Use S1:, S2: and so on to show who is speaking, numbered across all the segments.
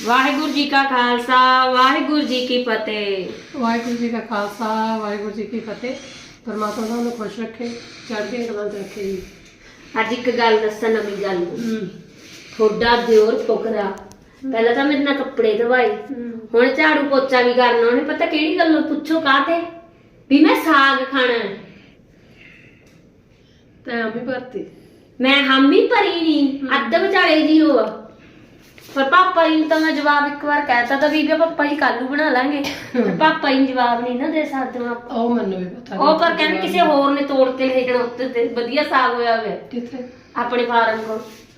S1: ਵਾਹਿਗੁਰੂ ਜੀ ਕਾ ਖਾਲਸਾ ਵਾਹਿਗੁਰੂ ਜੀ ਕੀ ਫਤਿਹ।
S2: ਵਾਹਿਗੁਰੂ ਜੀ ਕਾ ਖਾਲਸਾ ਵਾਹਿਗੁਰੂ ਜੀ ਕੀ ਫਤਿਹ। ਪਰਮਾਤਮਾ ਤੁਹਾਨੂੰ ਖੁਸ਼ ਰੱਖੇ, ਚੜ੍ਹਦੀ ਕਲਾ ਚ ਰੱਖੇ ਜੀ।
S1: ਅੱਜ ਇੱਕ ਗੱਲ ਦੱਸਾਂ, ਨਵੀਂ ਗੱਲ। ਥੋੜਾ ਦਿਓਰ ਫੁਕਰਾ ਪਹਿਲਾਂ ਤਾਂ ਮੇਰੇ ਨਾਲ ਕੱਪੜੇ ਧਵਾਏ, ਹੁਣ ਝਾੜੂ ਪੋਚਾ ਵੀ ਕਰਨਾ। ਉਹਨੇ ਪਤਾ ਕਿਹੜੀ ਗੱਲੋਂ ਪੁੱਛੋ ਕਾਹਤੇ ਵੀ ਮੈਂ ਸਾਗ ਖਾਣਾ।
S2: ਤੈਂ ਵੀ ਭਰਤੀ,
S1: ਮੈਂ ਹਾਮੀ ਭਰੀ ਨਹੀਂ, ਅੱਧ ਵਿਚਾਲੇ ਜੀ ਹੋ। ਪਰ ਪਾਪਾ ਜੀ ਨੂੰ ਤਾਂ ਮੈਂ ਜਵਾਬ ਇੱਕ ਵਾਰ ਕਹਿਤਾ ਤਾਂ ਵੀ ਪਾਪਾ ਜੀ ਕੱਲ ਨੂੰ ਬਣਾ ਲਾਂਗੇ। ਪਾਪਾ ਜੀ ਜਵਾਬ ਨਹੀਂ ਨਾ ਦੇ ਸਕਦੇ ਆਪਾਂ।
S2: ਉਹ ਮੈਨੂੰ ਵੀ ਪਤਾ।
S1: ਉਹ ਪਰ ਕਹਿੰਦੇ ਕਿਸੇ ਹੋਰ ਨੇ ਤੋੜ ਕੇ ਲੈ ਜਾਣਾ ਉੱਤੇ ਤੇ ਵਧੀਆ ਸਾਗ ਹੋਇਆ ਹੋਇਆ
S2: ਕਿੱਥੇ?
S1: ਆਪਣੇ ਫਾਰਮ ਕੋਲ।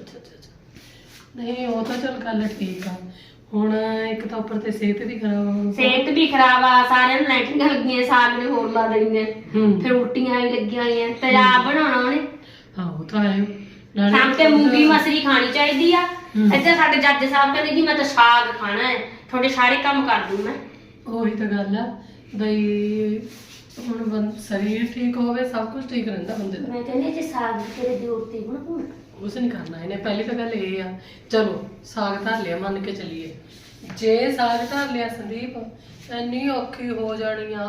S2: ਨਹੀਂ ਉਹ ਤਾਂ ਚਲ ਗੱਲ ਠੀਕ ਆ। ਹੁਣ ਇੱਕ ਤਾਂ ਉੱਪਰ ਤੇ ਸਿਹਤ ਵੀ ਖਰਾਬ,
S1: ਸਿਹਤ ਵੀ ਖਰਾਬ ਆ, ਸਾਰਿਆਂ ਨੂੰ ਲਾਈਟਿੰਗਾਂ ਲੱਗੀਆਂ, ਸਾਗ ਨੇ ਹੋਰ ਲਾ ਦੇਣੀਆਂ, ਫਿਰ ਉਲਟੀਆਂ ਵੀ ਲੱਗੀਆਂ ਹੋਈਆਂ। ਤੇਜ਼ਾਬ ਬਣਾਉਣਾ ਉਹਨੇ।
S2: ਹਾਂ ਉਹ ਤਾਂ ਹੈ।
S1: ਸ਼ਾਮ ਤੇ ਮੂੰਗੀ ਮਸਰੀ ਖਾਣੀ ਚਾਹੀਦੀ ਆ। ਇੱਥੇ ਸਾਡੇ ਜੱਜ ਸਾਹਿਬ ਕਹਿੰਦੇ ਜੀ ਮੈਂ ਤਾਂ ਸਾਗ ਖਾਣਾ ਹੈ, ਤੁਹਾਡੇ ਸਾਰੇ ਕੰਮ ਕਰ ਦੂੰ ਮੈਂ।
S2: ਉਹੀ ਤਾਂ ਗੱਲ ਆ ਬਈ, ਹੁਣ ਸਰੀਰ ਠੀਕ ਹੋਵੇ ਸਭ ਕੁਝ ਠੀਕ ਰਹਿੰਦਾ ਬੰਦੇ ਦਾ।
S1: ਮੈਂ ਕਹਿੰਦੀ ਜੇ ਸਾਗ ਤੇਰੇ ਦਿਓਰ ਤੇ ਬਣਾਉਣਾ
S2: ਕੁਛ ਨਹੀਂ ਕਰਨਾ ਇਹਨੇ। ਪਹਿਲੀ ਤਾਂ ਗੱਲ ਇਹ ਆ, ਚਲੋ ਸਾਗ ਧਰ ਲਿਆ, ਮੰਨ ਕੇ ਚੱਲੀਏ। ਜੇ ਸਾਗ ਧਰ ਲਿਆ ਸੰਦੀਪ, ਇੰਨੀ ਔਖੀ ਹੋ ਜਾਣੀ ਆ।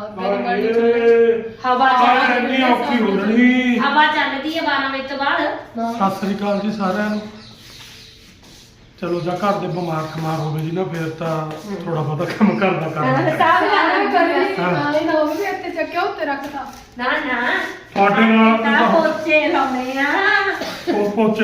S1: ਹਵਾ
S3: ਇੰਨੀ ਔਖੀ ਹੋ ਜਾਣੀ।
S1: ਹਵਾ ਚੱਲਦੀ ਹੈ 12 ਵਜੇ ਤੋਂ ਬਾਅਦ।
S3: ਸਤਿ ਸ੍ਰੀ ਅਕਾਲ ਜੀ ਸਾਰਿਆਂ ਨੂੰ। ਚਲੋ ਜਾਂ ਘਰ ਦੇ ਬਿਮਾਰ ਖਮਾਰ ਹੋਵੇ ਜੀ ਨਾ, ਫਿਰ ਤਾਂ ਥੋੜਾ ਬਹੁਤਾ ਕੰਮ ਕਰਦਾ ਕਰਨਾ।
S1: ਸਾਗ
S2: ਨਾ ਉਹ ਵੀ ਇੱਥੇ ਚੱਕਿਆ ਉੱਤੇ ਰੱਖਤਾ।
S1: ਨਾ ਨਾ
S3: ਤੁਹਾਡੇ ਨਾਲ
S1: ਤਾਂ ਪੋਚੇ ਲਾਉਣੇ ਆ।
S3: ਉਹ ਪੋਚੇ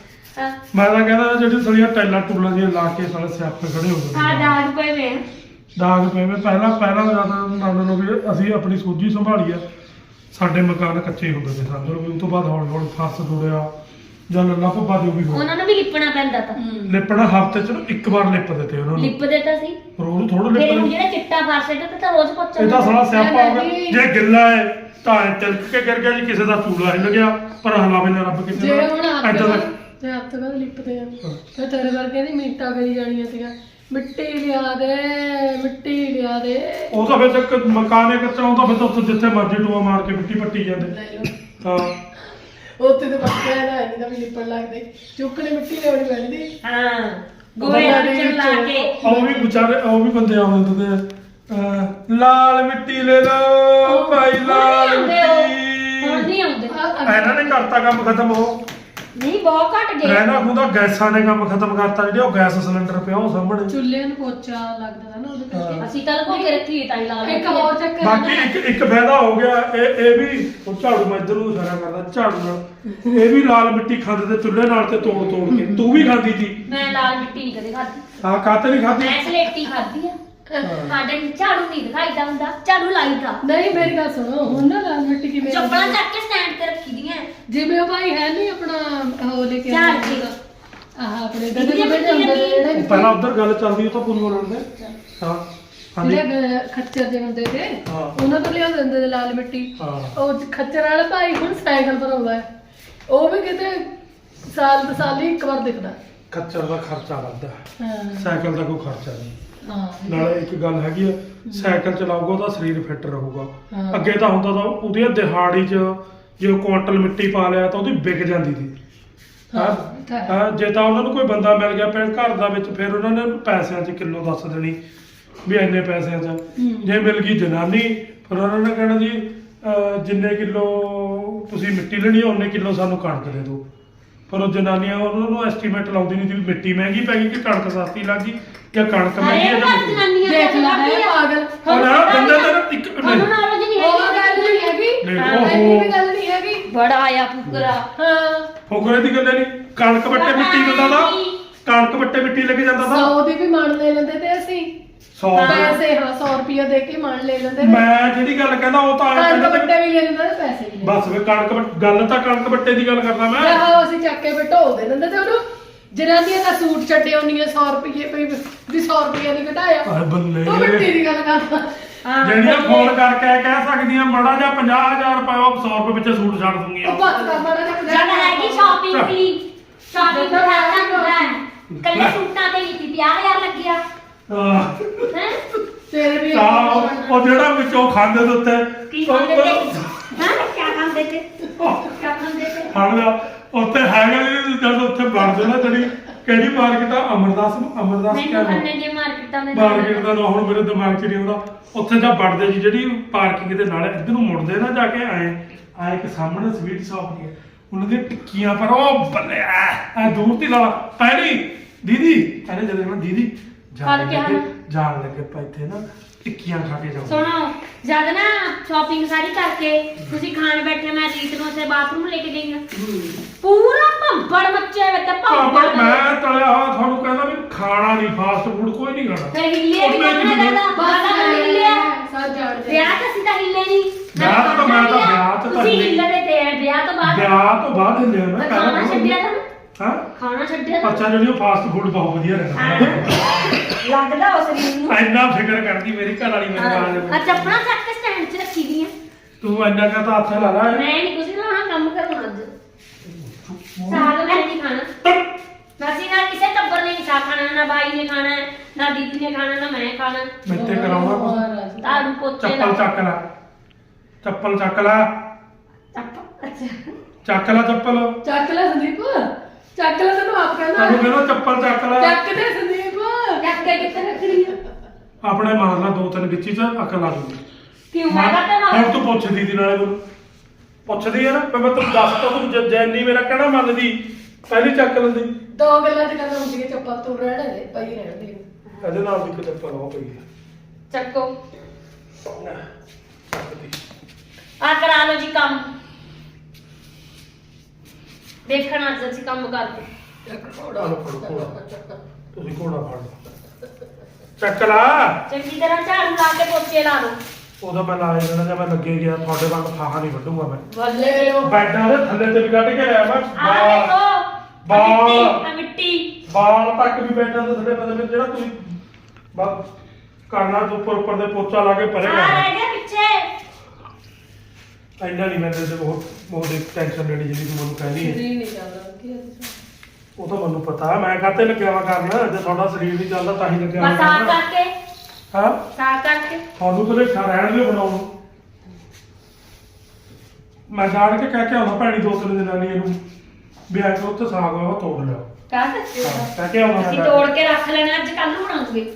S3: ਮੈਂ ਤਾਂ ਕਹਿੰਦਾ ਜਿਹੜੀ ਥੋੜੀਆਂ ਟੈਲਾਂ ਟੂਲਾਂ ਦੀਆਂ ਲਾ ਕੇ ਸਾਲੇ ਸਿਆਪੇ ਖੜੇ ਹੋ
S1: ਹਾਂ
S3: ਜਾਂਦੇ।
S1: ਦਾਗ ਪਏ ਵੇ।
S3: ਦਾਗ ਪਏ ਵੇ। ਪਹਿਲਾਂ ਜ਼ਿਆਦਾ ਨਾਨਾਂ ਨੂੰ ਵੀ ਅਸੀਂ ਆਪਣੀ ਸੂਝੀ ਸੰਭਾਲੀ ਆ। ਸਾਡੇ ਮਕਾਨ ਕੱਚੇ ਹੁੰਦੇ ਸੀ ਸਮਝ ਲਓ। ਉਸ ਤੋਂ ਬਾਅਦ ਹੌਲੀ ਹੌਲੀ ਫਸ ਜੁੜਿਆ ਜਾਂ ਲੱਲਾ ਭੱਬਾ ਜੋ ਵੀ ਹੋਇਆ।
S1: ਉਹਨਾਂ ਨੂੰ ਵੀ ਲਿਪਣਾ ਪੈਂਦਾ ਤਾਂ।
S3: ਲਿਪਣਾ ਹਫ਼ਤੇ ਚ ਇੱਕ ਵਾਰ ਲਿਪ ਦਿੱਤੇ ਉਹਨਾਂ ਨੂੰ।
S1: ਲਿਪਦੇ ਤਾਂ ਸੀ
S3: ਰੋਜ਼ ਥੋੜਾ
S1: ਫਿਰ
S3: ਲਿਪ
S1: ਹੁਣ ਜਿਹੜਾ ਚਿੱਟਾ ਫਸ ਜਾਂਦਾ ਤਾਂ ਰੋਜ਼ ਪੋਚਾ।
S3: ਇਹ ਤਾਂ ਸਾਲਾ ਸਿਆਪਾ ਹੋ ਗਿਆ। ਜੇ ਗਿੱਲਾ ਹੈ ਤਾਂ ਤਿਲਕ ਕੇ ਗਿਰ ਗਿਆ ਜੀ, ਕਿਸੇ ਦਾ ਚੂੜਾ ਹਿੱਲ ਗਿਆ, ਪਰ ਹਲਾਵੇ ਨਾ ਰੱਬ ਕਿਸੇ
S2: ਜੇ
S3: ਦਾ
S2: ਹੁਣ
S3: ਏਦਾਂ ਦਾ।
S2: ਤੇ ਹੱਥ ਬਾਅਦ ਲਿਪਦੇ ਆ ਤੇ ਤੇਰੇ ਵਰਗੇ ਦੀ ਮਿੰਟਾਂ ਕਰੀ ਜਾਣੀਆਂ ਸੀਗਾ, ਮਿੱਟੀ ਲਿਆ ਦੇ ਮਿੱਟੀ ਲਿਆ ਦੇ।
S3: ਉਹ ਤਾਂ ਫਿਰ ਤੱਕ ਮਕਾਨੇ ਕੱਚਾ ਹੁੰਦਾ, ਫਿਰ ਤਾਂ ਉੱਥੇ ਜਿੱਥੇ ਮਰਜ਼ੀ ਟੂਆ ਮਾਰ ਕੇ ਮਿੱਟੀ ਪੱਟੀ ਜਾਂਦੇ। ਹਾਂ
S2: ਉੱਥੇ ਤੇ ਪੱਕਿਆ ਨਾ ਨਹੀਂ ਤਾਂ ਵੀ ਲਿਪਣ ਲੱਗਦੇ, ਚੁੱਕਣੇ ਮਿੱਟੀ ਲਿਆਉਣੀ ਪੈਂਦੀ।
S1: ਹਾਂ ਗੋਏ ਵਿੱਚ ਲਾ ਕੇ।
S3: ਉਹ ਵੀ ਵਿਚਾਰੇ ਉਹ ਵੀ ਬੰਦੇ ਆਉਂਦੇ ਹੁੰਦੇ ਲਾਲ ਮਿੱਟੀ ਲੈ ਲਓ ਭਾਈ, ਲਾਲ
S1: ਹੁਣ
S3: ਮਿੱਟੀ।
S1: ਨਹੀਂ ਆਉਂਦੇ।
S3: ਇਹਨਾਂ ਨੇ ਕਰਤਾ ਕੰਮ ਖਤਮ। ਉਹ
S1: ਨਹੀਂ ਬਹੁਤ ਘਟ ਗਏ।
S3: ਰਹਿਣਾ ਖੁਦਾ ਗੈਸਾਂ ਨੇ ਕੰਮ ਖਤਮ ਕਰਤਾ। ਜਿਹੜੇ ਉਹ ਗੈਸ ਸਿਲੰਡਰ ਪਿਆ ਉਹ ਸਾਹਮਣੇ
S2: ਚੁੱਲ੍ਹੇ ਨੂੰ ਪੋਚਾ ਲੱਗਦਾ ਨਾ ਉਹਦੇ ਕਰਕੇ।
S1: ਅਸੀਂ ਤਾਂ ਲਗੋ ਕੇ ਰੱਖੀ ਤਾਂ ਹੀ ਲਾ ਲਈ।
S2: ਇੱਕ ਹੋਰ ਚੱਕਰ
S3: ਬਾਕੀ ਇੱਕ ਫਾਇਦਾ ਹੋ ਗਿਆ ਇਹ ਵੀ। ਉਹ ਝਾੜੂ ਮੈਂ ਇੱਧਰ ਨੂੰ ਇਸ਼ਾਰਾ ਕਰਦਾ ਝਾੜੂ ਨਾਲ। ਇਹ ਵੀ ਲਾਲ ਮਿੱਟੀ ਖਾਂਦੇ ਤੇ ਚੁੱਲ੍ਹੇ ਨਾਲ ਤੇ ਤੋੜ ਕੇ। ਤੂੰ ਵੀ ਖਾਂਦੀ ਸੀ?
S1: ਮੈਂ ਲਾਲ ਮਿੱਟੀ ਨਹੀਂ ਕਦੇ ਖਾਧੀ।
S3: ਹਾਂ ਕਾਤੇ ਨਹੀਂ ਖਾਂਦੀ?
S1: ਮੈਂ ਸਲੇਟੀ ਖਾਧੀ ਆ। ਸਾਡੇ ਝਾੜੂ ਨਹੀਂ ਦਿਖਾਈਦਾ ਹੁੰਦਾ, ਝਾੜੂ ਲਾਈਦਾ।
S2: ਨਹੀਂ ਮੇਰੀ ਗੱਲ ਸੁਣੋ, ਹੁਣ ਨਾ ਲਾਲ ਮਿੱਟੀ ਕਿਵੇਂ
S1: ਚੱਪਲਾਂ ਚੱਕ ਕੇ ਸਟੈਂਡ ਤੇ ਰੱਖੀ ਦੀਆਂ।
S2: ਜਿਵੇਂ ਉਹ ਭਾਈ ਹੈ ਨਹੀਂ ਆਪਣਾ ਉਹ ਲੈ ਕੇ
S1: ਝਾੜ ਕੇ
S2: ਆਹ ਆਪਣੇ ਗੰਦੇ ਬੈਠੇ ਹੁੰਦੇ ਨੇ ਜਿਹੜੇ
S3: ਪਹਿਲਾਂ ਉੱਧਰ ਗੱਲ ਚੱਲਦੀ ਉਹ ਤਾਂ ਪੂਰੀ ਬੋਲਣ ਦੇ। ਹਾਂ ਹਾਂਜੀ
S2: ਜਿਹੜੇ ਖੱਚਰ ਦੇ ਹੁੰਦੇ ਤੇ
S3: ਹਾਂ।
S2: ਉਹਨਾਂ ਤੋਂ ਲਿਆਉਂਦੇ ਹੁੰਦੇ ਤੇ ਲਾਲ ਮਿੱਟੀ।
S3: ਹਾਂ।
S2: ਉਹ ਖੱਚਰ ਵਾਲਾ ਭਾਈ ਹੁਣ ਸਾਈਕਲ ਪਰ ਆਉਂਦਾ ਹੈ, ਉਹ ਵੀ ਕਿਤੇ ਸਾਲ ਹੀ ਇੱਕ ਵਾਰ ਦਿਖਦਾ।
S3: ਖੱਚਰ ਦਾ ਖਰਚਾ ਵੱਧਦਾ,
S2: ਹਾਂ
S3: ਸਾਈਕਲ ਦਾ ਕੋਈ ਖਰਚਾ ਨਹੀਂ।
S2: ਹਾਂ
S3: ਨਾਲੇ ਇੱਕ ਗੱਲ ਹੈਗੀ ਆ, ਸਾਈਕਲ ਚਲਾਊਗਾ ਉਹਦਾ ਸਰੀਰ ਫਿੱਟ ਰਹੂਗਾ।
S2: ਹਾਂ।
S3: ਅੱਗੇ ਤਾਂ ਹੁੰਦਾ ਤਾਂ ਉਹਦੀ ਦਿਹਾੜੀ 'ਚ ਜੇ ਉਹ ਕੁਆਂਟਲ ਮਿੱਟੀ ਪਾ ਲਿਆ ਤਾਂ ਉਹਦੀ ਵਿਕ ਜਾਂਦੀ ਸੀ। ਹਾਂ ਜੇ ਤਾਂ ਉਹਨਾਂ ਨੂੰ ਕੋਈ ਬੰਦਾ ਮਿਲ ਗਿਆ ਫਿਰ ਘਰ ਦਾ ਵਿੱਚ, ਫਿਰ ਉਹਨਾਂ ਨੇ ਪੈਸਿਆਂ 'ਚ ਕਿਲੋ ਦੱਸ ਦੇਣੀ ਵੀ ਇੰਨੇ ਪੈਸਿਆਂ 'ਚ। ਜੇ ਮਿਲ ਗਈ ਜਨਾਨੀ ਫਿਰ ਉਹਨਾਂ ਨੇ ਕਹਿਣਾ ਜੀ ਜਿੰਨੇ ਕਿਲੋ ਤੁਸੀਂ ਮਿੱਟੀ ਲੈਣੀ ਹੈ ਉਨੇ ਕਿਲੋ ਸਾਨੂੰ ਕਣਕ ਦੇ ਦਿਓ। ਪਰ ਉਹ ਜਨਾਨੀਆਂ ਉਹਨਾਂ ਨੂੰ ਐਸਟੀਮੇਟ ਲਾਉਂਦੀ ਨਹੀਂ ਸੀ ਵੀ ਮਿੱਟੀ ਮਹਿੰਗੀ ਪੈ ਗਈ ਕਿ ਕਣਕ ਸਸਤੀ ਲੱਗ ਗਈ ਜਾਂ ਕਣਕ ਮਹਿੰਗੀ ਹੈ ਜਾਂ ਮਿੱਟੀ।
S2: ਦੇਖ ਲੈ ਪਾਗਲ।
S3: ਉਹ ਬੰਦੇ ਤਾਂ ਇੱਕ
S1: ਉਹਨੂੰ ਨਾਲ ਨਹੀਂ
S2: ਉਹ ਗੱਲ ਨਹੀਂ ਹੈਗੀ,
S3: ਨਹੀਂ,
S2: ਇਹ ਗੱਲ ਨਹੀਂ ਹੈਗੀ।
S1: ਬੜਾ ਆਇਆ ਫੁਕਰਾ।
S2: ਹਾਂ
S3: ਫੋਕਰੇ ਦੀ ਗੱਲ ਨਹੀਂ। ਕਣਕ ਵੱਟੇ ਮਿੱਟੀ ਦਿੰਦਾ ਤਾਂ ਕਣਕ ਵੱਟੇ ਮਿੱਟੀ ਲੈ ਕੇ ਜਾਂਦਾ ਤਾਂ
S2: 100 ਦੀ ਵੀ ਮਣ ਲੈ ਲੈਂਦੇ ਤੇ ਅਸੀਂ
S3: 100
S2: ਪੈਸੇ। ਹਾਂ 100 ਰੁਪਏ ਦੇ ਕੇ ਮਣ ਲੈ ਲੈਂਦੇ ਨੇ।
S3: ਮੈਂ ਜਿਹੜੀ ਗੱਲ ਕਹਿੰਦਾ ਉਹ ਤਾਂ
S2: ਕਣਕ
S3: ਕਹਿੰਦਾ
S2: ਵੱਟੇ ਵੀ ਲੈ ਲੈਂਦੇ ਤੇ ਪੈਸੇ ਵੀ ਲੈ
S3: ਬਸ ਫਿਰ ਗੱਲ ਤਾਂ ਕਣਕ ਵੱਟੇ ਦੀ ਗੱਲ ਕਰਦਾ ਮੈਂ।
S2: ਆਹੋ ਅਸੀਂ ਚੱਕ ਕੇ ਢੋ ਦੇ ਦਿੰਦੇ ਤੇ ਉਹਨੂੰ। ਜਨਾਨੀਆਂ ਦਾ ਸੂਟ ਛੱਡੇ ਹੁੰਦੀਆਂ 100 ਰੁਪਏ ਵੀ 100 ਰੁਪਏ ਨਹੀਂ ਘਟਾਇਆ।
S3: ਆਏ ਬੱਲੇ
S2: ਉਹ ਮਿੱਟੀ ਦੀ ਗੱਲ ਕਰਦਾ।
S3: ਜਿਹੜੀਆਂ ਫੋਨ ਕਰਕੇ ਕਹਿ ਸਕਦੀਆਂ ਮੜਾ ਜਾਂ 50,000 ਰੁਪਏ ਉਹ 100 ਰੁਪਏ ਵਿੱਚ ਸੂਟ ਛੱਡ ਦੂੰਗੀਆਂ।
S2: ਉਹ ਬੱਤ ਦਾ ਮਾੜਾ ਜਿਹਾ
S1: ਜਦ ਹੈਗੀ ਸ਼ਾਪਿੰਗ ਦੀ, ਸ਼ਾਪਿੰਗ ਦਾ ਖਾਤਾ ਹੁੰਦਾ ਹੈ। ਕੱਲੇ ਸੂਟਾਂ ਤੇ ਨਹੀਂ 50,000 ਲੱਗਿਆ ਹੈ।
S2: ਤੇਰੇ ਵੀ
S3: ਉਹ ਜਿਹੜਾ ਵਿੱਚੋਂ ਖਾਂਦੇ ਦੇ ਉੱਤੇ
S1: ਕੀ ਖਾਂਦੇ ਤੇ? ਹਾਂ ਕੀ ਖਾਂਦੇ ਤੇ? ਕੀ ਖਾਂਦੇ ਤੇ?
S3: ਫੜ ਲਿਆ ਉੱਥੇ ਹੈਗਾ ਨਹੀਂ ਜਦ ਉੱਥੇ ਬਣ ਜਾਣਾ ਜਿਹੜੀ ਕਿਹੜੀ ਮਾਰਕੀਟ ਆ? ਅਮਰਦਾਸ
S1: ਮੈਨੂੰ
S3: ਕਿਆ ਨਾਮ?
S1: ਅੰਨੇ ਜੇ ਮਾਰਕੀਟਾਂ ਦੇ
S3: ਮਾਰਕੀਟ ਦਾ ਨਾਮ ਹੁਣ ਮੇਰੇ ਦਿਮਾਗ 'ਚ ਨਹੀਂ ਆਉਂਦਾ। ਉੱਥੇ ਜਾਂ ਵੜਦੇ ਜੀ ਜਿਹੜੀ ਪਾਰਕਿੰਗ ਦੇ ਨਾਲ ਇੱਧਰ ਨੂੰ ਮੁੜਦੇ ਨਾ ਜਾ ਕੇ ਆਏ ਇੱਕ ਸਾਹਮਣੇ ਸਵੀਟ ਸ਼ਾਪ ਦੀ ਉਹਨਾਂ ਦੀਆਂ ਟਿੱਕੀਆਂ ਪਰ ਉਹ ਬੱਲੇ ਐ ਦੂਰ ਦੀ ਨਾਲ ਪਹਿਲੀ ਦੀਦੀ ਕਹਿੰਦੇ ਜਦੋਂ ਮੈਂ ਦੀਦੀ ਜਾਣ ਲੱਗੇ ਪਾ ਇੱਥੇ ਨਾ ਟਿੱਕੀਆਂ ਖਾ ਕੇ ਜਾਓ।
S1: ਸੁਣੋ ਜਦ ਨਾ ਸ਼ਾਪਿੰਗ ਸਾਰੀ ਕਰਕੇ ਤੁਸੀਂ ਖਾਣ ਬੈਠੇ ਮੈਂ ਰੀਤ ਨੂੰ ਉਸੇ ਬਾਥਰੂਮ ਲੈ ਕੇ ਗਈ ਹਾਂ ਪੂਰਾ ਭੰਬੜ ਮੱਚਿਆ ਵੇ ਤੇ ਭੰਬੜ
S3: ਮੈਂ ਤਲਿਆ ਹੋਇਆ ਤੁਹਾਨੂੰ ਕਹਿੰਦਾ ਵੀ ਖਾਣਾ ਨਹੀਂ ਫਾਸਟ ਫੂਡ ਕੋਈ ਨਹੀਂ ਖਾਣਾ।
S1: ਫਿਰ ਹਿੱਲੇ ਵੀ ਨਾ ਦਾਦਾ ਬਾਦਾ ਹਿੱਲਿਆ ਵਿਆਹ ਤਾਂ ਸਿੱਧਾ ਹਿੱਲੇ ਨਹੀਂ
S3: ਵਿਆਹ ਤਾਂ ਮੈਂ ਤਾਂ ਵਿਆਹ ਚ ਤਾਂ
S1: ਤੁਸੀਂ ਹਿੱਲਦੇ ਤੇ ਵਿਆਹ ਤੋਂ ਬਾਅਦ
S3: ਹਿੱਲਿਆ ਮੈਂ
S1: ਖਾਣਾ ਛੱਡਿਆ ਤਾਂ
S3: ਹਾਂ
S1: ਖਾਣਾ ਛੱਡਿਆ ਤਾਂ
S3: ਅੱਛਾ ਜਿਹੜੀ ਉਹ ਫਾਸਟ ਫੂਡ ਬਹੁਤ ਵਧੀਆ ਰਹਿੰਦਾ
S1: ਲੱਗਦਾ ਉਸ ਸਰੀਰ ਨੂੰ
S3: ਇੰਨਾ ਫਿਕਰ ਕਰਦੀ ਮੇਰੀ ਘਰ ਵਾਲੀ ਮੇਰੇ ਨਾਲ
S1: ਆ ਚੱਪਣਾ ਚੱਕ ਕੇ ਸਟੈਂਡ 'ਚ ਰੱਖੀ ਦੀਆਂ
S3: ਤੂੰ ਇੰਨਾ ਕਾ ਤਾਂ ਹੱਥ ਲਾ ਲਾ
S1: ਮੈਂ ਨਹੀਂ ਕੁਝ ਲਾਉਣਾ ਕੰਮ ਕਰਨਾ ਅੱਜ ਸਾਗ ਮੈਂ ਨਹੀਂ ਖਾਣਾ ਅਸੀਂ ਨਾਲ ਕਿਸੇ ਟੱਬਰ ਨੇ ਨਹੀਂ ਸਾਗ ਖਾਣਾ ਨਾ ਬਾਈ ਨੇ ਖਾਣਾ ਨਾ ਦੀਦੀ ਨੇ ਖਾਣਾ ਨਾ ਮੈਂ ਖਾਣਾ
S3: ਮਿੱਤੇ ਕਰਾਉਣਾ ਕੁਛ
S1: ਤਾੜੂ ਪੋਚੇ
S3: ਚੱਪਲ ਚੱਕ ਲੈ ਚੱਪਲ ਚੱਕ ਲੈ
S1: ਅੱਛਾ
S3: ਚੱਕ ਲੈ ਚੱਪਲ
S2: ਚੱਕ ਲੈ ਸੰਦੀਪ ਚੱਕ ਲੈ ਤੈਨੂੰ ਆਪ ਕਹਿੰਦਾ
S3: ਤੈਨੂੰ ਕਹਿੰਦਾ ਚੱਪਲ ਚੱਕ ਲੈ
S2: ਚੱਕ ਦੇ ਸੰਦੀਪ
S1: ਚੱਕ ਕੇ ਕਿੱਥੇ ਰੱਖਣੀ ਆ
S3: ਆਪਣੇ ਮਾਰ ਲਾ ਦੋ ਤਿੰਨ ਗਿੱਚੀ ਚ ਅਕਲ ਆ ਜੂਗੀ
S1: ਕਿਉਂ ਮੈਂ ਕਹਤਾ ਨਾ
S3: ਹੁਣ ਤੂੰ ਪੁੱਛਦੀ ਦੀ ਨਾਲੇ ਮੈਨੂੰ ਪੁੱਛਦੀ ਆ ਨਾ ਮੈਂ ਤੈਨੂੰ ਦੱਸਤਾ ਤੂੰ ਜੈਨੀ ਮੇਰਾ ਕਹਿਣਾ ਮੰਨਦੀ ਪਹਿਲੀ ਚੱਕ ਲੈਂਦੀ
S2: ਦੋ ਗੱਲਾਂ ਤੇ ਗੱਲ ਹੁੰਦੀ ਹੈ ਚੱਪਲ ਤੂੰ ਰਹਿਣ ਦੇ ਪਈ ਰਹਿਣ ਦੇ
S3: ਇਹਦੇ ਨਾਲ ਵੀ ਇੱਕ ਚੱਪਲ ਹੋ ਪਈ
S1: ਚੱਕੋ
S3: ਹੈ ਚੱਕਦੀ
S1: ਆ ਕਰਾ ਲਓ ਜੀ ਕੰਮ ਦੇਖਣਾ ਅੱਜ ਅਸੀਂ ਕੰਮ ਕਰਦੇ
S2: ਇੱਕ
S3: ਆਲੋ ਫੜੋ ਘੋੜਾ ਤੁਸੀਂ ਘੋੜਾ ਫੜ ਲਓ ਚੱਕ ਲਾ
S1: ਚੰਗੀ ਤਰ੍ਹਾਂ ਝਾੜੂ ਲਾ ਕੇ ਪੋਚੇ ਲਾ ਲਓ
S3: ਉਹਦਾ ਮੈਂ ਲਾ ਦੇਣਾ ਜੇ ਮੈਂ ਲੱਗੇ ਗਿਆ ਤੁਹਾਡੇ ਵੱਲ ਫਾਹਾ ਨਹੀਂ ਵੱਢੂਗਾ ਮੈਂ
S1: ਬੱਲੇ
S3: ਬੈਡਾਂ ਦੇ ਥੱਲੇ ਤੇ ਵੀ ਕੱਢ ਕੇ ਲਿਆ ਮੈਂ
S1: ਆ ਦੇਖੋ
S3: ਬਾਲ
S1: ਆ ਮਿੱਟੀ
S3: ਬਾਲ ਤੱਕ ਵੀ ਬੈਡਾਂ ਦੇ ਥੱਲੇ ਪਤਾ ਜਿਹੜਾ ਤੁਸੀਂ ਬਸ ਕਰਨਾ ਤੋਂ ਉੱਪਰ ਦੇ ਪੋਚਾ ਲਾ ਕੇ ਪਰੇ
S1: ਆ
S3: ਕਰਨਾ
S1: ਰਹਿ ਗਿਆ ਪਿੱਛੇ
S3: ਇੰਨਾ ਨਹੀਂ ਮੈਨੂੰ ਤੇ ਬਹੁਤ ਇੱਕ ਟੈਨਸ਼ਨ ਲੈਣੀ ਜਿਹੜੀ ਤੂੰ ਮੈਨੂੰ ਕਹਿਣੀ ਹੈ
S2: ਸਰੀਰ ਨਹੀਂ ਚੱਲਦਾ ਕੀ
S3: ਉਹ ਤਾਂ ਮੈਨੂੰ ਪਤਾ ਮੈਂ ਕਾਹਤੇ ਲੱਗਿਆ ਵਾ ਕਰਨ ਜੇ ਤੁਹਾਡਾ ਸਰੀਰ ਨਹੀਂ ਚੱਲਦਾ ਤਾਂ ਹੀ ਲੱਗਿਆ
S1: ਬਸ ਆ ਕਰਕੇ
S3: ਹਾਂ
S1: ਸਾਫ ਕਰਕੇ
S3: ਤੁਹਾਨੂੰ ਤਾਂ ਲੇਖਾ ਰਹਿਣ ਦਿਓ ਬਣਾਉਣ ਨੂੰ। ਮੈਂ ਜਾਣ ਕੇ ਕਹਿ ਕੇ ਆਉਣਾ ਭੈਣੀ ਦੋ ਤਿੰਨ ਦਿਨਾਂ ਲਈ ਇਹਨੂੰ ਵੀ ਆ ਕੇ ਉੱਥੇ ਸਾਗ ਹੋਇਆ ਉਹ ਤੋੜ ਲਿਆ
S1: ਕਰ ਸਕਦੇ ਹੋ
S3: ਕਹਿ ਕੇ ਆਉਣਾ
S1: ਅਸੀਂ
S3: ਮੈਂ
S1: ਤੋੜ ਕੇ ਰੱਖ ਲੈਣਾ ਅੱਜ ਕੱਲ ਨੂੰ ਬਣਾਉਂਗੇ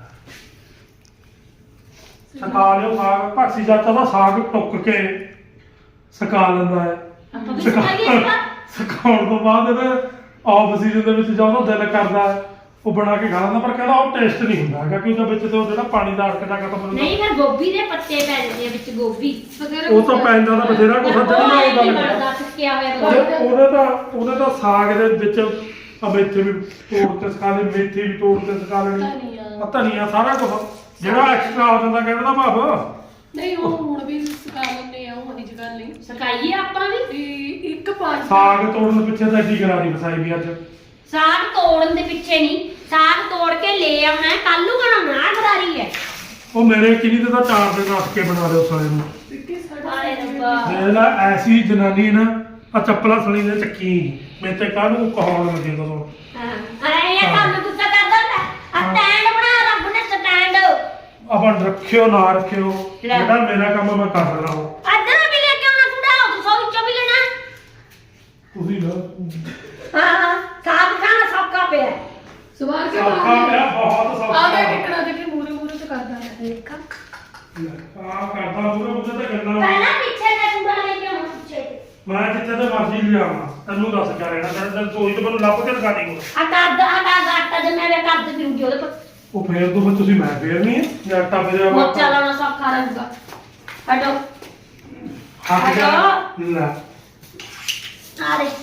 S3: ਸਕਾ ਲਿਓ ਸਾਗ ਭਾਸੀ ਜਾਤਾ ਦਾ ਸਾਗ ਟੁੱਕ ਕੇ ਸਕਾ ਲੈਂਦਾ ਹੈ
S1: ਆਪਾਂ ਵੀ ਸੁਣਾਈਏ
S3: ਸਕਾਉਣ ਤੋਂ ਬਾਅਦ ਇਹਦੇ ਆਫ ਸੀਜ਼ਨ ਦੇ ਵਿੱਚ ਜਦੋਂ ਉਹਦਾ ਦਿਲ ਕਰਦਾ ਹੈ, ਉਹ ਬਣਾ ਕੇ ਖਾ ਲੈਂਦਾ ਪਰ ਕਹਿੰਦਾ ਉਹ ਟੇਸਟ ਨਹੀਂ ਹੁੰਦਾ ਹੈਗਾ ਕਿ ਉਹਦੇ ਵਿੱਚ ਤੇ ਉਹ ਜਿਹੜਾ ਪਾਣੀ ਦਾ ਅੜਕਦਾ ਖਤਮ ਹੁੰਦਾ
S1: ਨਹੀਂ ਫਿਰ ਗੋਭੀ ਦੇ ਪੱਤੇ ਪੈ ਜਾਂਦੇ ਆ ਵਿੱਚ ਗੋਭੀ
S3: ਉਹ ਤਾਂ ਪੈਂਦਾ ਤਾਂ ਬਥੇਰਾ ਕੁਛ ਜਿਹੜਾ ਨਾ ਉਹ ਗੱਲ ਕਰ
S1: ਬਣਦਾ ਸੁੱਕਿਆ ਹੋਇਆ ਗੋਭੀ।
S3: ਉਹਨੇ ਤਾਂ ਸਾਗ ਦੇ ਵਿੱਚ ਆ ਮੇਥੇ ਵੀ ਤੋੜ ਕੇ ਸਕਾ ਲੈ ਮੇਥੀ ਵੀ ਤੋੜ ਕੇ ਸਕਾ ਲੈਣੀ ਆ ਧਨੀਆ ਸਾਰਾ ਕੁਝ ਜਿਹੜਾ ਐਕਸਟਰਾ ਹੋ ਜਾਂਦਾ ਕਹਿੰਦਾ ਭਾਵ
S2: ਨਹੀਂ ਉਹ ਹੁਣ ਵੀ ਸਿਖਾ ਲੈਂਦੇ ਆ ਉਹ ਨਹੀਂ ਗੱਲ ਨਹੀਂ
S1: ਸਕਾਈਏ ਆਪਾਂ ਵੀ
S2: ਵੀ ਇੱਕ ਪੰਜ
S3: ਸਾਗ ਤੋੜਨ ਪਿੱਛੇ ਤਾਂ ਕੀ ਕਰਾ ਦੀ ਵਸਾਈ ਵੀ ਅੱਜ
S1: ਸਾਗ ਤੋੜਨ ਦੇ ਪਿੱਛੇ ਨਹੀਂ ਸਾਗ ਤੋੜ ਕੇ ਲੈ ਆਉਣਾ ਕੱਲ ਨੂੰ ਬਣਾਉਣਾ ਗਰਾਰੀ ਹੈ
S3: ਉਹ ਮੇਰੇ ਕਿਨੀ ਤੇ ਤਾਂ 4 ਦਿਨ ਰੱਖ ਕੇ ਬਣਾ ਲਿਓ ਸਾਲੇ ਨੂੰ
S2: ਸਿੱਕੇ
S1: ਹਾਏ ਰੱਬਾ
S3: ਦੇਖ ਲੈ ਐਸੀ ਜਨਾਨੀ ਨਾ ਆ ਚੱਪਲਾਂ ਸਲੀ ਦੇ ਚੱਕੀ ਮੇਰੇ ਤੇ ਕਾਹਨੂੰ ਕਹਾਉਣ ਲੱਗੇ ਤਾਂ ਹੁਣ
S1: ਹਾਂ ਇਹ ਕੰਮ ਗੁੱਸਾ ਕਰਦਾ ਹੁੰਦਾ ਆ ਸਟੈਂਡ ਬਣਾ ਰੱਬ ਨੇ ਸਟੈਂਡ
S3: ਆਪਾਂ ਰੱਖਿਓ ਨਾ ਰੱਖਿਓ ਜਿਹੜਾ ਮੇਰਾ ਕੰਮ ਮੈਂ ਕਰ ਰਹਾ ਹਾਂ
S1: ਅੱਧਾ ਵੀ ਲੈ ਕੇ ਆਉਣਾ ਕੁੜਾ ਉਹ ਸੌ ਵਿੱਚੋਂ ਵੀ ਲੈਣਾ
S3: ਤੁਸੀਂ ਨਾ
S1: ਹਾਂ ਸਾਗ ਖਾਣਾ ਸੌਖਾ ਪਿਆ
S2: ਸਵਾਰ ਕੇ
S3: ਸੌਖਾ ਪਿਆ ਬਹੁਤ ਸੌਖਾ
S2: ਆ ਗਿਆ ਕਿਕਣਾ ਦੇ ਕੇ ਮੂਰੇ ਮੂਰੇ ਤੇ ਕਰਦਾ ਹੈ
S1: ਦੇਖਾ
S3: ਆ ਕਰਦਾ ਮੂਰੇ ਤੇ ਗੱਲਾਂ
S1: ਪਹਿਲਾਂ ਪਿੱਛੇ ਤੇ ਕੁੜਾ ਲੈ ਕੇ ਆਉਣਾ ਪਿੱਛੇ
S3: ਮੈਂ ਜਿੱਥੇ ਤੇ ਮਰਜ਼ੀ ਲਿਆਵਾਂ ਤੈਨੂੰ ਦੱਸ ਕੇ ਰਹਿਣਾ ਤੈਨੂੰ ਸੋਈ ਤੇ ਮੈਨੂੰ ਲੱਭ ਕੇ ਦਿਖਾ ਦੀ
S1: ਆ ਆਟਾ ਜਮਿਆ ਵੇ ਕਰ ਦੇ ਫਿਰੂਗੀ ਉਹਦੇ ਪਰ
S3: ਉਹ ਫੇਰ ਤੋਂ ਤੁਸੀਂ ਮੈਂ ਫੇਰਨੀ ਹੈ ਜਾਂ ਆਟਾ ਫੇਰਿਆ ਵਾ
S1: ਮੋਚਾ ਲਾਉਣਾ ਸੌਖਾ ਰਹੂਗਾ ਹਟੋ
S3: ਹੱਥ ਜਾ ਲੈ
S1: ਆ ਰੇ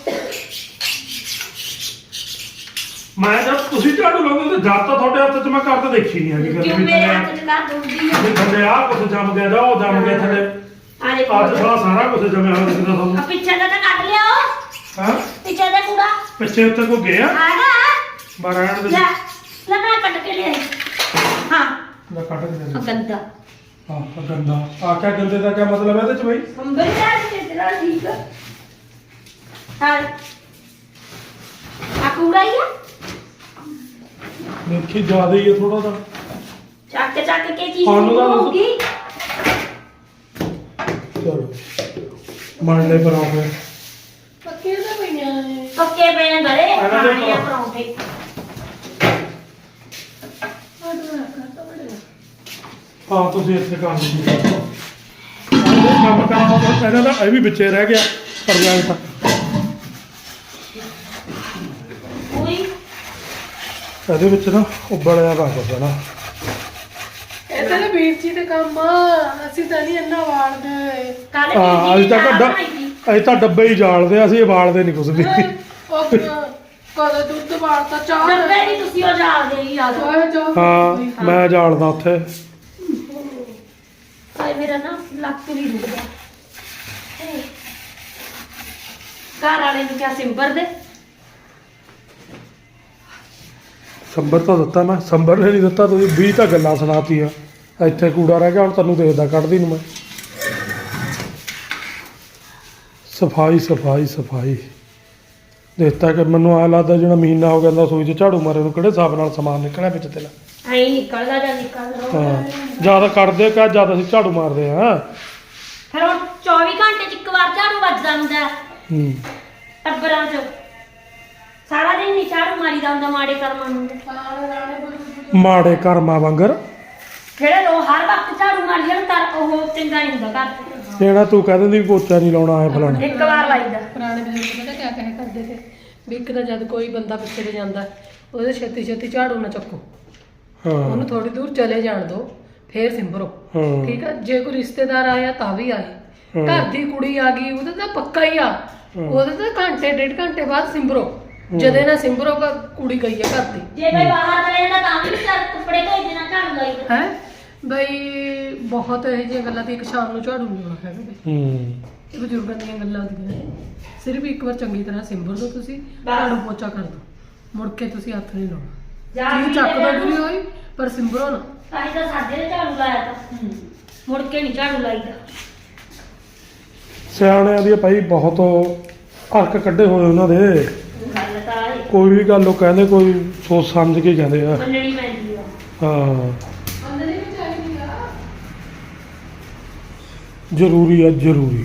S3: ਮੈਂ ਜਦ ਤੁਸੀਂ ਝਾੜੂ ਲਾਉਂਦੇ ਤੇ ਜਦ ਤਾਂ ਤੁਹਾਡੇ ਹੱਥ 'ਚ ਮੈਂ ਕਰ ਤਾਂ ਦੇਖੀ ਨਹੀਂ ਹੈਗੀ
S1: ਕਿਉਂ ਮੇਰੇ ਹੱਥ 'ਚ ਕਰ ਦੂੰਗੀ
S3: ਵੀ ਥੱਲੇ ਆ ਕੁਛ ਜੰਮ ਗਿਆ ਜਾ ਉਹ ਜੰਮ ਗਿਆ ਥੱਲੇ
S1: ਆ ਰੇ
S3: ਅੱਜ ਸਾਰਾ ਕੁਛ ਜੰਮਿਆ ਹੋਇਆ ਦਿਖਦਾ ਤੁਹਾਨੂੰ
S1: ਆ ਪਿੱਛੇ ਦਾ ਤਾਂ ਕੱਢ ਲਿਆ
S3: ਹਾਂ
S1: ਪਿੱਛੇ ਦਾ ਕੂੜਾ
S3: ਪਿੱਛੇ ਉੱਤੇ ਕੋ ਗਿਆ
S1: ਆਗਾ
S3: ਬਾਰਾਣ ਦੇ
S1: ਲੈ ਲੈ ਮੈਂ ਕੱਢ ਕੇ ਲਿਆ ਹਾਂ
S3: ਮੈਂ ਕੱਢ ਕੇ ਦੇ
S1: ਗੰਦਾ
S3: ਹਾਂ ਆਹ ਗੰਦਾ ਆ ਕਿਆ ਗੰਦੇ ਦਾ ਕਿਆ ਮਤਲਬ ਹੈ ਇਹਦੇ ਚ ਬਈ
S1: ਅੰਬਰ ਦਾ ਤੇਰਾ ਠੀਕ ਆ ਹਾਂ ਆ ਕੂੜਾ ਹੀ ਆ
S3: ਦੇਖੀ ਜ਼ਿਆਦਾ ਹੀ ਹੈ ਥੋੜਾ ਜਿਹਾ
S1: ਚੱਕ ਕੇ ਚੀਜ਼
S3: ਸਾਨੂੰ ਤਾਂ ਦੱਸੋ।
S1: ਹੋਊਗੀ
S3: ਚਲੋ ਮੰਨ ਲੈ ਪਰੌਂਠੇ
S2: ਪੱਕੇ ਤਾਂ ਪਈਆਂ ਨੇ
S1: ਪੱਕੇ ਪਏ ਨੇ ਗਲੇ
S3: ਇਹਨਾਂ ਦੇ
S1: ਖਾਣੇ ਆ ਪਰੌਂਠੇ
S3: ਹਾਂ ਤੁਸੀਂ ਇੱਥੇ ਕਰ ਲਓ ਕੰਮ ਕਰਾਓ ਇਹਨਾਂ ਦਾ ਇਹ ਵੀ ਵਿੱਚੇ ਰਹਿ ਗਿਆ ਪ੍ਰੋਜੈਕਟ
S1: ਕੋਈ
S3: ਇਹਦੇ ਵਿੱਚ ਨਾ ਉਬਲਿਆ ਵਾ ਕੁਛ ਨਾ
S2: ਇਹ ਤਾਂ ਵੀਰ ਜੀ ਦੇ ਕੰਮ ਆ ਅਸੀਂ ਤਾਂ ਨਹੀਂ ਇੰਨਾ ਵਾੜਦੇ
S1: ਕੱਲ
S3: ਹਾਂ ਅੱਜ ਤਾਂ ਡੱਬੇ ਹੀ ਜਾਲਦੇ ਅਸੀਂ ਬਾਲਦੇ ਨਹੀਂ ਕੁਛ ਵੀ
S2: ਉਹ ਕਦੇ ਦੁੱਧ ਵਾੜਤਾ ਚਾਹ
S1: ਡੱਬੇ ਨਹੀਂ ਤੁਸੀਂ ਉਹ ਜਾਲਦੇ ਹੀ ਯਾਦ
S3: ਹਾਂ ਮੈਂ ਜਾਲਦਾ ਉੱਥੇ
S1: ਆਏ ਮੇਰਾ ਨਾ ਲੱਕ ਵੀ ਰੁਕ ਗਿਆ ਘਰ ਵਾਲੇ ਨੂੰ ਕਿਹਾ ਸਿੰਬਰ ਦੇ
S3: ਸੰਬਰ ਤਾਂ ਦਿੱਤਾ ਮੈਂ ਸੰਬਰ ਨੇ ਨਹੀਂ ਦਿੱਤਾ ਤੁਸੀਂ 20 ਤਾਂ ਗੱਲਾਂ ਸੁਣਾਤੀਆਂ ਇੱਥੇ ਕੂੜਾ ਰਹਿ ਗਿਆ ਹੁਣ ਤੈਨੂੰ ਦੇਖਦਾ ਕੱਢਦੀ ਨੂੰ ਮੈਂ ਸਫਾਈ ਸਫਾਈ ਸਫਾਈ ਦੇਖਤਾ ਕਿ ਮੈਨੂੰ ਆ ਲੱਗਦਾ ਜਿਹੜਾ ਮਹੀਨਾ ਹੋ ਗਿਆ ਸੂਈ 'ਚ ਝਾੜੂ ਮਾਰੇ ਨੂੰ ਕਿਹੜੇ ਹਿਸਾਬ ਨਾਲ ਸਮਾਨ ਨਿਕਲਿਆ ਵਿੱਚ ਤੇਰਾ
S1: ਐਂ ਨਿਕਲਦਾ ਜਾਂ ਨਿਕਲਦਾ
S3: ਹਾਂ ਜਿਆਦਾ ਕੱਢਦੇ ਕਾ ਜਿਆਦਾ ਅਸੀਂ ਝਾੜੂ ਮਾਰਦੇ ਹਾਂ
S1: ਫਿਰ ਹੁਣ 24 ਘੰਟੇ ਚ ਇੱਕ ਵਾਰ ਝਾੜੂ ਵੱਜਦਾ ਹੁੰਦਾ
S3: ਹੂੰ
S1: ਟੱਬਰਾਂ 'ਚ ਸਾਰਾ ਦਿਨ ਨਹੀਂ ਝਾੜੂ ਮਾਰੀਦਾ ਹੁੰਦਾ ਮਾੜੇ ਕਰਮਾਂ ਨੂੰ
S3: ਮਾੜੇ ਕਰਮਾਂ ਵਾਂਗਰ
S1: ਜਿਹੜੇ ਲੋ ਹਰ ਵਕਤ ਝਾੜੂ ਮਾਰੀ ਜਾਣ ਤਾਂ ਉਹ ਚੰਗਾ ਨਹੀਂ ਹੁੰਦਾ ਘਰ
S3: ਜਿਹੜਾ ਤੂੰ ਕਹਿ ਦਿੰਦੀ ਵੀ ਪੋਚਾ ਨਹੀਂ ਲਾਉਣਾ ਹੈ ਫਲਾਣਾ
S1: ਇੱਕ ਵਾਰ ਲਾਈਦਾ
S2: ਪੁਰਾਣੇ ਬਜ਼ੁਰਗ ਪਤਾ ਕਿਆ ਕਹੇ ਕਰਦੇ ਤੇ ਵੀ ਇੱਕ ਤਾਂ ਜਦ ਕੋਈ ਬੰਦਾ ਪਿੱਛੇ ਤੇ ਜਾਂਦਾ ਉਹਦੇ ਛੇਤੀ ਛੇਤੀ ਝਾੜੂ ਨਾ ਚੱਕੋ
S3: ਹਾਂ
S2: ਉਹਨੂੰ ਥੋੜੀ ਦੂਰ ਚਲੇ ਜਾਣ ਦਿਓ ਫੇਰ ਸਿੰਬਰੋ
S3: ਹਾਂ
S2: ਠੀਕ ਆ ਜੇ ਕੋਈ ਰਿਸ਼ਤੇਦਾਰ ਆਇਆ ਤਾਂ ਵੀ ਆਏ ਘਰ ਦੀ ਕੁੜੀ ਆ ਗਈ ਉਹਦਾ ਤਾਂ ਪੱਕਾ ਹੀ ਆ ਉਹਦੇ ਤਾਂ ਘੰਟੇ ਡੇਢ ਘੰਟੇ ਬਾਅਦ ਸਿੰਬਰੋ ਜਦੇ ਨਾ ਸਿੰਬਰੋ ਕੁੜੀ ਗਈ ਆ ਘਰ ਦੀ
S1: ਜੇ ਕੋਈ ਬਾਹਰ ਚਲੇ ਜਾਂਦਾ ਤਾਂ ਵੀ ਚੱਲ ਕੱਪੜੇ ਧੋਈ ਦੇਣਾ ਝਾੜੂ ਲਾਈਦਾ
S2: ਹੈ ਬਈ ਬਹੁਤ ਇਹ ਜਿਹੀਆਂ ਗੱਲਾਂ ਤੇ ਇੱਕ ਸ਼ਾਮ ਨੂੰ ਝਾੜੂ ਨਹੀਂ ਲਾਉਣਾ ਹੈਗਾ ਬਈ ਇਹ ਬਜ਼ੁਰਗਾਂ ਦੀਆਂ ਗੱਲਾਂ ਹੁੰਦੀਆਂ ਨੇ ਸਿਰਫ ਇੱਕ ਵਾਰ ਚੰਗੀ ਤਰ੍ਹਾਂ ਸਿੰਬਰ ਦੋ ਤੁਸੀਂ ਝਾੜੂ ਪੋਚਾ ਕਰ ਦੋ ਮੁੜ ਕੇ ਤੁਸੀਂ ਹੱਥ ਨਹੀਂ ਲਾਉਣਾ ਜੀ ਚੱਕ ਦੋ ਗੁਰੀ ਹੋਈ ਪਰ ਸਿੰਬਰੋ ਨਾ
S1: ਤਾਂ ਹੀ ਤਾਂ ਸਾਡੇ ਨੇ ਝਾੜੂ ਲਾਇਆ ਤਾਂ ਮੁੜ ਕੇ ਨਹੀਂ ਝਾੜੂ ਲਾਈਦਾ
S3: ਸਿਆਣਿਆਂ ਦੀ ਭਾਈ ਬਹੁਤ ਹਰਕ ਕੱਢੇ ਹੋਏ ਉਹਨਾਂ ਦੇ
S1: ਗੱਲ ਤਾਂ ਇਹ
S3: ਕੋਈ ਵੀ ਗੱਲ ਉਹ ਕਹਿੰਦੇ ਕੋਈ ਸੋਚ ਸਮਝ ਕੇ ਕਹਿੰਦੇ ਆ
S1: ਮੰਨਣੀ ਪੈਂਦੀ ਆ
S3: ਹਾਂ
S2: ਅੰਦਰ ਹੀ ਚਾਹੀਦੀ ਆ
S3: ਜ਼ਰੂਰੀ ਆ ਜ਼ਰੂਰੀ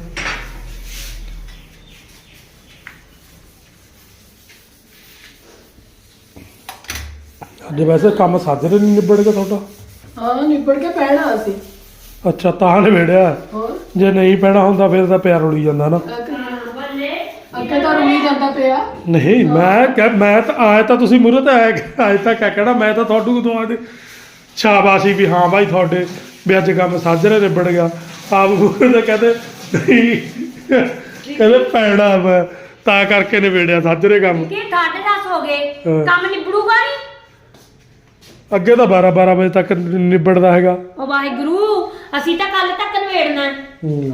S3: ਅੱਜ ਵੈਸੇ ਕੰਮ ਸਾਜਰੇ ਨਹੀਂ ਨਿਬੜੇਗਾ ਤੁਹਾਡਾ
S2: ਹਾਂ ਨਿਬੜ ਕੇ ਪੈਣਾ ਅਸੀਂ
S3: ਅੱਛਾ ਤਾਂ ਨਿਬੜਿਆ
S2: ਹੋਰ
S3: ਜੇ ਨਹੀਂ ਪੈਣਾ ਹੁੰਦਾ ਫਿਰ ਤਾਂ ਪਿਆਰ ਉੜੀ ਜਾਂਦਾ ਨਾ
S1: ਬੱਲੇ
S2: ਅੱਗੇ ਤਾਂ ਰੁਈ ਜਾਂਦਾ ਪਿਆ
S3: ਨਹੀਂ ਮੈਂ ਤਾਂ ਆਏ ਤਾਂ ਤੁਸੀਂ ਮੂਹਰੇ ਤਾਂ ਆਏ ਤਾਂ ਕਿਆ ਕਹਿਣਾ ਮੈਂ ਤਾਂ ਤੁਹਾਨੂੰ ਉਦੋਂ ਆਦੇ ਸ਼ਾਬਾਸ਼ੀ ਵੀ ਹਾਂ ਭਾਈ ਤੁਹਾਡੇ ਵੀ ਅੱਜ ਕੰਮ ਸਾਜਰੇ ਨਿਬੜ ਗਿਆ ਆਪ ਮੂਹਰੇ ਤਾਂ ਕਹਿੰਦੇ ਨਹੀਂ ਕਹਿੰਦੇ ਪੈਣਾ ਵਾ ਤਾਂ ਕਰਕੇ ਨਿਬੜਿਆ ਸਾਜਰੇ ਕੰਮ
S1: ਕਿ 10:30 ਹੋ ਗਏ
S3: ਹਾਂ।
S1: ਕੰਮ ਨਿਬੜੂਗਾ ਨਹੀਂ
S3: ਅੱਗੇ ਤਾਂ 12 ਵਜੇ ਤੱਕ ਨਿਬੜਦਾ ਹੈਗਾ
S1: ਉਹ ਵਾਹਿਗੁਰੂ ਅਸੀਂ ਤਾਂ ਕੱਲ ਤੱਕ ਨਵੇੜਨਾ
S3: ਹੂੰ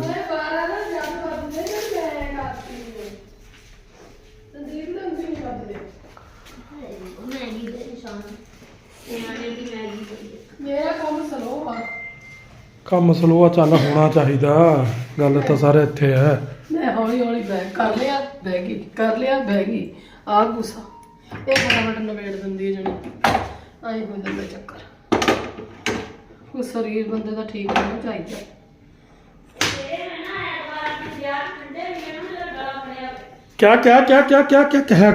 S1: ਮੈਗੀ ਦੇ ਨਿਸ਼ਾਨ ਨਿਆਣੇ ਦੀ ਮੈਗੀ ਦੇ
S2: ਮੇਰਾ ਕੰਮ ਸਲੋ ਆ
S3: ਕੰਮ ਸਲੋਆ ਚੱਲ ਹੋਣਾ ਚਾਹੀਦਾ ਗੱਲ ਤਾਂ ਸਾਰੇ ਇੱਥੇ ਹੈ
S2: ਮੈਂ ਹੌਲੀ ਹੌਲੀ ਬੈਗ ਕਰ ਲਿਆ ਬੈਗੀ ਕਰ ਲਿਆ ਬੈਗੀ ਆ ਗੁੱਸਾ ਇਹ ਫਟਾਫਟ ਨਵੇੜ ਦਿੰਦੀ ਹੈ ਜਣੀ ਆਈ ਹੋ ਜਾਂਦਾ ਚੱਕਰ ਉਹ ਸਰੀਰ ਬੰਦੇ ਦਾ ਠੀਕ ਹੋਣਾ ਚਾਹੀਦਾ
S3: ਕਿਆ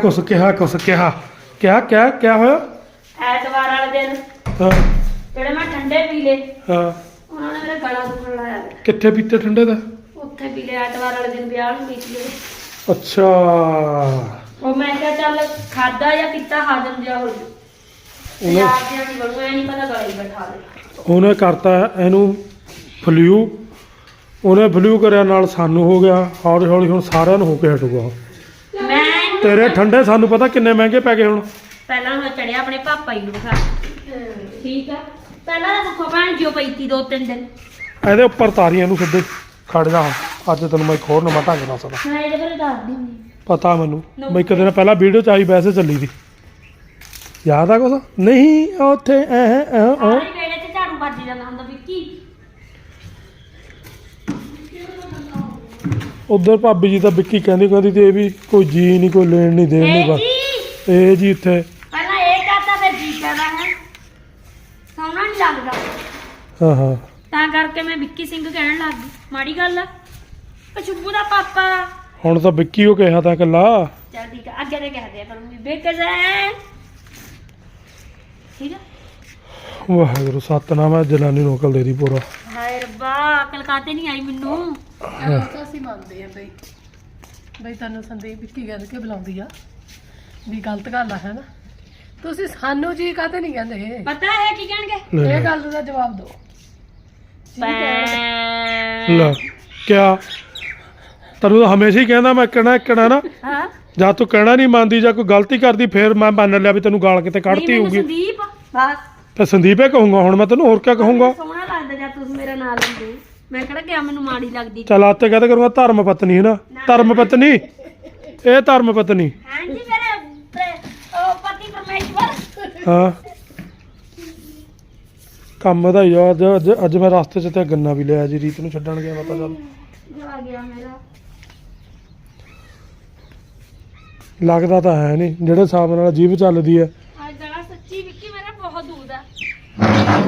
S3: ਹੋਇਆ
S1: ਐਤਵਾਰ ਵਾਲੇ ਦਿਨ
S3: ਹਾਂ
S1: ਜਿਹੜੇ ਮੈਂ ਠੰਡੇ ਪੀ ਲਏ
S3: ਹਾਂ
S1: ਉਹਨਾਂ ਨੇ ਮੇਰਾ ਗਲਾ ਦੁਖਣ ਲਾਇਆ
S3: ਕਿੱਥੇ ਪੀਤੇ ਠੰਡੇ ਦਾ
S1: ਉੱਥੇ ਪੀ ਲਿਆ ਐਤਵਾਰ ਵਾਲੇ ਦਿਨ ਵਿਆਹ ਨੂੰ ਪੀਤੀ ਲਏ
S3: ਅੱਛਾ
S1: ਉਹ ਮੈਂ ਕਿਹਾ ਚੱਲ ਖਾਦਾ ਜਾਂ ਪੀਤਾ ਹਾਜ਼ਮ ਜਿਹਾ ਹੋ ਜੂ ਯਾਦ ਜਿਹਾ ਨਹੀਂ ਬਣੂ ਐ ਨਹੀਂ ਪਤਾ ਗਲਾ ਹੀ ਬੈਠਾ ਦੇ
S3: ਉਹਨੇ ਕਰਤਾ ਇਹਨੂੰ ਫਲੂ ਉਹਨੇ ਫਲੂ ਕਰਿਆ ਨਾਲ ਸਾਨੂੰ ਹੋ ਗਿਆ ਹੌਲੀ ਹੌਲੀ ਹੁਣ ਸਾਰਿਆਂ ਨੂੰ ਹੋ ਕੇ ਹਟੂਗਾ
S1: ਮੈਂ
S3: ਤੇਰੇ ਠੰਡੇ ਸਾਨੂੰ ਪਤਾ ਕਿੰਨੇ ਮਹਿੰਗੇ ਪੈ ਗਏ ਹੁਣ
S1: ਪਹਿਲਾਂ ਮੈਂ ਚੜਿਆ ਆਪਣੇ ਪਾਪਾ ਜੀ ਨੂੰ ਖਾ ਠੀਕ ਆ ਪਹਿਲਾਂ ਤਾਂ ਸੁੱਖੋ ਭੈਣ ਜਿਉ ਪਈ ਤੀ 2-3 ਦਿਨ
S3: ਇਹਦੇ ਉੱਪਰ ਤਾਰੀਆਂ ਨੂੰ ਸਿੱਧੇ ਖੜ ਜਾ ਅੱਜ ਤੈਨੂੰ ਮੈਂ ਇੱਕ ਹੋਰ ਨਵਾਂ ਢੰਗ ਦੱਸਦਾ
S1: ਮੈਂ ਇਹਦੇ ਬਾਰੇ ਦੱਸਦੀ ਹੁੰਦੀ
S3: ਪਤਾ ਮੈਨੂੰ ਮੈਂ ਇੱਕ ਦਿਨ ਪਹਿਲਾਂ ਵੀਡੀਓ ਚ ਆਈ ਵੈਸੇ ਚੱਲੀ ਸੀ ਯਾਦ ਆ ਕੁਛ ਨਹੀਂ ਉੱਥੇ
S1: ਸਾਰੇ ਵੇਲੇ ਤੇ ਝਾੜੂ ਵੱਜ ਜਾਂਦਾ ਹੁੰਦਾ ਵਿੱਕੀ
S3: ਉਧਰ ਭਾਬੀ ਜੀ ਤਾਂ ਵਿੱਕੀ ਕਹਿੰਦੀ ਤੇ ਇਹ ਵੀ ਕੋਈ ਜੀ ਨਹੀਂ ਕੋਈ ਲੈਣ ਨਹੀਂ ਦੇਣ ਨਹੀਂ ਬਸ ਇਹ ਜੀ ਇੱਥੇ
S1: ਪਹਿਲਾਂ ਇਹ ਕਹਤਾ ਫਿਰ ਜੀ ਕਹਦਾ ਹੈ ਸੋਹਣਾ ਨਹੀਂ ਲੱਗਦਾ
S3: ਹਾਂ ਹਾਂ
S1: ਤਾਂ ਕਰਕੇ ਮੈਂ ਵਿੱਕੀ ਸਿੰਘ ਕਹਿਣ ਲੱਗ ਗਈ ਮਾੜੀ ਗੱਲ ਆ ਉਹ ਸ਼ੁਭੂ ਦਾ ਪਾਪਾ
S3: ਹੁਣ ਤਾਂ ਵਿੱਕੀ ਉਹ ਕਿਹਾ ਤਾਂ ਇਕੱਲਾ
S1: ਚੱਲ ਠੀਕ ਆ ਅੱਗੇ ਤੇ ਕਹਿ ਦਿਆ ਕਰੂੰਗੀ ਬੇਕਜ਼ੈਨ ਠੀਕ ਆ
S3: ਵਾਹਿਗੁਰੂ ਸਤਨਾਮ ਹੈ ਜਨਾਨੀ ਨੂੰ ਅਕਲ ਦੇ ਦੀ ਪੂਰਾ।
S1: ਹਾਏ ਰੱਬਾ ਅਕਲ ਕਾਤੇ ਨਹੀਂ ਆਈ ਮੈਨੂੰ।
S2: ਉਹ ਤਾਂ ਅਸੀਂ ਮੰਨਦੇ ਆ ਬਈ ਤੁਹਾਨੂੰ ਸੰਦੀਪ ਵਿੱਕੀ ਕਹਿੰਦੇ ਕਿ ਬੁਲਾਉਂਦੀ ਆ ਵੀ ਗਲਤ ਗੱਲ ਆ ਹੈ ਨਾ। ਤੁਸੀਂ ਸਾਨੂੰ ਜੀ ਕਾਤੇ ਨਹੀਂ ਕਹਿੰਦੇ?
S1: ਪਤਾ ਹੈ ਕੀ ਕਹਿਣਗੇ?
S3: ਲੈ
S2: ਇਹ ਗੱਲ ਦਾ ਜਵਾਬ ਦਿਓ।
S3: ਲੈ ਕਿਆ ਤੈਨੂੰ ਤਾਂ ਹਮੇਸ਼ਾ ਹੀ ਕਹਿੰਦਾ ਮੈਂ ਕਹਿਣਾ ਨਾ
S1: ਹਾਂ
S3: ਜਾਂ ਤੂੰ ਕਹਿਣਾ ਨਹੀਂ ਮੰਨਦੀ ਜਾਂ ਕੋਈ ਗਲਤੀ ਕਰਦੀ ਫਿਰ ਮੈਂ ਮੰਨ ਲਿਆ ਵੀ ਤੈਨੂੰ ਗਾਲ ਕਿਤੇ ਕੱਢਤੀ ਹੋਊਗੀ।
S1: ਸੰਦੀਪ ਬਸ
S3: ਤੇ ਸੰਦੀਪੇ ਕਹੂੰਗਾ ਹੁਣ ਮੈਂ ਤੈਨੂੰ ਹੋਰ ਕਿਆ ਕਹੂੰਗਾ।
S1: ਸੋਹਣਾ ਲੱਗਦਾ ਜਦ ਤੁਸੀਂ ਮੇਰਾ ਨਾਂ ਲੈਂਦੇ। ਮੈਂ ਕਿਹੜਾ ਕਿਹਾ ਮੈਨੂੰ ਮਾੜੀ ਲੱਗਦੀ।
S3: ਚੱਲ ਆਤੇ ਕਹਤੇ ਕਰੂੰਗਾ ਧਰਮ ਪਤਨੀ ਹੈ ਨਾ। ਧਰਮ ਪਤਨੀ ਇਹ ਧਰਮ ਪਤਨੀ
S1: ਹਾਂਜੀ ਮੇਰੇ ਉਹ ਪਤੀ ਪਰਮੇਸ਼ਵਰ।
S3: ਹਾਂ ਕੰਮ ਦਾ ਹੀ ਆ। ਅੱਜ ਮੈਂ ਰਸਤੇ 'ਚ ਤੇ ਗੰਨਾ ਵੀ ਲਿਆ ਜੀ ਰੀਤ ਨੂੰ ਛੱਡਣ ਗਿਆ ਮੈਂ ਤਾਂ ਚੱਲ
S1: ਜਾ ਗਿਆ ਮੇਰਾ।
S3: ਲੱਗਦਾ ਤਾਂ ਹੈ ਨਹੀਂ ਜਿਹੜੇ ਹਿਸਾਬ ਨਾਲ ਜੀਭ ਚੱਲਦੀ ਹੈ।
S1: ਅੱਜ ਗਲਾ ਸੱਚੀ ਵਿੱਕੀ ਮੇਰਾ ਬਹੁਤ ਦੂਰ ਆ।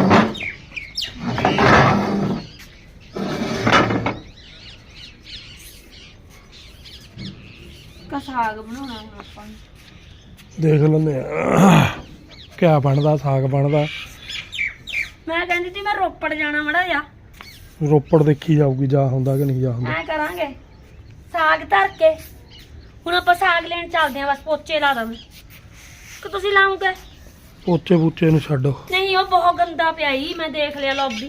S1: ਕਾ ਸਾਗ ਬਣਾਉਣਾ ਹੁਣ ਆਪਾਂ ਨੇ।
S3: ਦੇਖ ਲੈਂਦੇ ਆ ਕਿਆ ਬਣਦਾ ਸਾਗ ਬਣਦਾ।
S1: ਮੈਂ ਕਹਿੰਦੀ ਸੀ ਮੈਂ ਰੋਪੜ ਜਾਣਾ ਮੜਾ ਜਾ।
S3: ਰੋਪੜ ਦੇਖੀ ਜਾਊਗੀ ਜਾ ਹੁੰਦਾ ਕਿ ਨਹੀਂ ਜਾ ਹੁੰਦਾ।
S1: ਐ ਕਰਾਂਗੇ ਸਾਗ ਧਰ ਕੇ ਹੁਣ ਆਪਾਂ ਸਾਗ ਲੈਣ ਚੱਲਦੇ ਆਂ। ਬਸ ਪੋਚੇ ਲਾ ਦਵਾਂ ਕਿ ਤੁਸੀਂ ਲਾਉਂਗੇ?
S3: ਪੋਚੇ ਪੂਚੇ ਨੂੰ ਛੱਡੋ।
S1: ਨਹੀਂ ਉਹ ਬਹੁਤ ਗੰਦਾ ਪਿਆ ਈ। ਮੈਂ ਦੇਖ ਲਿਆ ਲੌਬੀ।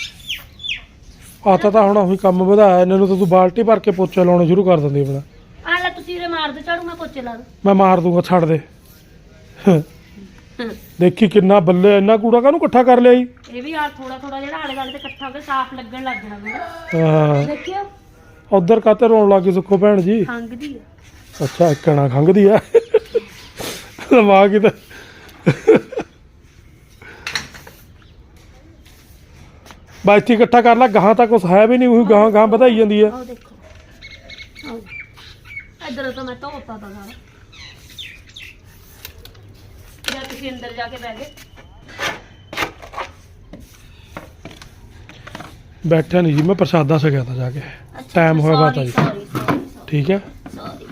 S3: ਆਤਾ ਤਾਂ ਹੁਣ ਉਹੀ ਕੰਮ ਵਧਾਇਆ ਇਹਨਾਂ ਨੂੰ ਤਾਂ ਤੂੰ ਬਾਲਟੀ ਭਰ ਕੇ ਪੋਚੇ ਲਾਉਣੇ ਸ਼ੁਰੂ ਕਰ ਦਿੰਦੀ ਆਪਣਾ।
S1: ਆ ਲੈ ਤੁਸੀਂ ਉਰੇ ਮਾਰ ਦੇ ਝਾੜੂ ਮੈਂ ਪੋਚੇ ਲਾ ਦੂੰ।
S3: ਮੈਂ ਮਾਰ ਦੂੰਗਾ ਛੱਡ ਦੇ। ਦੇਖੀ ਕਿੰਨਾ ਬੱਲੇ ਇੰਨਾ ਕੂੜਾ ਕਾਹਨੂੰ ਇਕੱਠਾ ਕਰ ਲਿਆ ਜੀ।
S1: ਇਹ ਵੀ ਯਾਰ ਥੋੜਾ ਥੋੜਾ ਜਿਹੜਾ ਆਲੇ ਦੁਆਲੇ ਤੇ ਇਕੱਠਾ ਹੋ ਕੇ ਸਾਫ਼ ਲੱਗਣ ਲੱਗ ਜਾਣਾ ਮੇਰਾ।
S3: ਹਾਂ
S1: ਦੇਖਿਓ
S3: ਉਧਰ ਕਾਤੇ ਰੋਣ ਲੱਗੀ ਸੁੱਖੋ ਭੈਣ ਜੀ।
S1: ਖੰਗਦੀ ਆ।
S3: ਅੱਛਾ ਇੱਕਣਾ ਖੰਘਦੀ ਆ ਦਿਮਾਗ ਕਿਤੇ ਬਾਈਤੀ ਇਕੱਠਾ ਕਰ ਲੈ ਗਾਹਾਂ ਤਾਂ ਕੁਛ ਹੈ ਵੀ ਨਹੀਂ ਉਹੀ ਗਾਹਾਂ ਗਾਹਾਂ ਵਧਾਈ ਜਾਂਦੀ ਹੈ।
S1: ਆਹ ਦੇਖੋ ਆਹ ਇਧਰ ਤਾਂ ਮੈਂ ਧੋਤਾ ਤਾਂ ਸਾਰਾ। ਜਾਂ ਤੁਸੀਂ ਅੰਦਰ ਜਾ ਕੇ ਬਹਿ ਗਏ।
S3: ਬੈਠਿਆ ਨਹੀਂ ਜੀ ਮੈਂ ਪ੍ਰਸ਼ਾਦਾ ਛਕਿਆ ਤਾਂ ਜਾ ਕੇ। ਟਾਈਮ ਹੋਇਆ ਬਾਤ ਆ ਜੀ। ਠੀਕ ਹੈ
S1: ਸੌਰੀ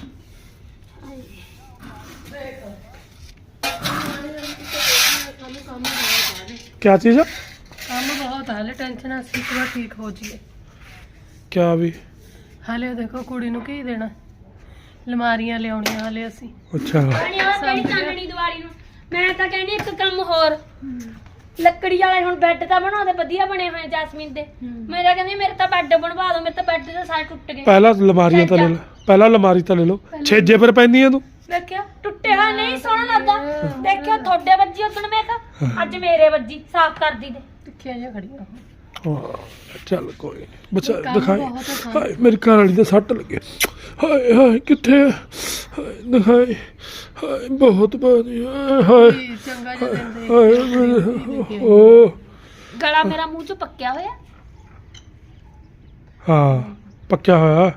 S3: ਕਿਆ ਚੀਜ਼
S2: ਕੰਮ ਬਹੁਤ ਹਾਲੇ ਟੈਨਸ਼ਨ ਆ। ਅਸੀਂ ਇੱਕ ਵਾਰ ਠੀਕ ਹੋ ਜਾਈਏ।
S3: ਕਿਆ ਵੀ
S2: ਹਾਲੇ ਦੇਖੋ ਕੁੜੀ ਨੂੰ ਕੀ ਦੇਣਾ। ਅਲਮਾਰੀਆਂ ਲਿਆਉਣੀਆਂ ਹਾਲੇ ਅਸੀਂ।
S3: ਅੱਛਾ
S1: ਕਿਹੜੀ ਚਾਨਣੀ ਦੀਵਾਰੀ ਨੂੰ। ਮੈਂ ਤਾਂ ਕਹਿੰਦੀ ਇੱਕ ਕੰਮ ਹੋਰ ਲੱਕੜੀ ਵਾਲੇ ਹੁਣ ਬੈੱਡ ਤਾਂ ਬਣਾਉਂਦੇ ਵਧੀਆ ਬਣੇ ਹੋਏ ਜੈਸਮੀਨ ਦੇ। ਮੇਰਾ ਕਹਿੰਦੀ ਮੇਰੇ ਤਾਂ ਬੈੱਡ ਬਣਵਾ ਦਿਓ। ਮੇਰੇ ਤਾਂ ਬੈੱਡ ਦੇ ਸਾਰੇ ਟੁੱਟ ਗਏ।
S3: ਪਹਿਲਾਂ ਅਲਮਾਰੀਆਂ ਤਾਂ ਲੈ ਲਓ। ਪਹਿਲਾਂ ਅਲਮਾਰੀ ਤਾਂ ਲੈ ਲਓ। ਛੇਜੇ ਪਰ ਪੈਂਦੀਆਂ ਤੂੰ।
S1: ਦੇਖਿਆ ਟੁੱਟੇ ਹੋਏ ਨਹੀਂ ਸੋਹਣਾ ਲੱਗਦਾ। ਦੇਖਿਆ ਤੁਹਾਡੇ ਵੱਜੀ ਉਦੋਂ ਮੈਂ ਕਿਹਾ ਅੱਜ ਮੇਰੇ ਵੱਜੀ ਸਾਫ਼ ਕਰਦੀ ਦੇ।
S2: ਟਿੱਕੀਆਂ ਜਿਹੀਆਂ ਖੜੀਆਂ।
S3: ਹਾਂ ਚੱਲ ਕੋਈ ਨਹੀਂ ਬਚਾ
S2: ਕੰਮ
S3: ਦਿਖਾਈ।
S2: ਬਹੁਤ ਹੈ।
S3: ਹਾਏ ਮੇਰੀ ਘਰ ਵਾਲੀ ਦੇ ਸੱਟ ਲੱਗੇ। ਹਾਏ ਹਾਏ ਕਿੱਥੇ ਆ? ਹਾਏ ਦਿਖਾਈ। ਹਾਏ ਬਹੁਤ ਬਾਦੀ ਹਾਏ
S2: ਚੰਗਾ ਜਿਹਾ ਦਿੰਦੇ।
S3: ਹਾਏ ਮੇਰੇ- ਓ
S1: ਗਲਾ ਮੇਰਾ ਮੂੰਹ ਚ ਪੱਕਿਆ ਹੋਇਆ।
S3: ਹਾਂ ਪੱਕਿਆ ਹੋਇਆ।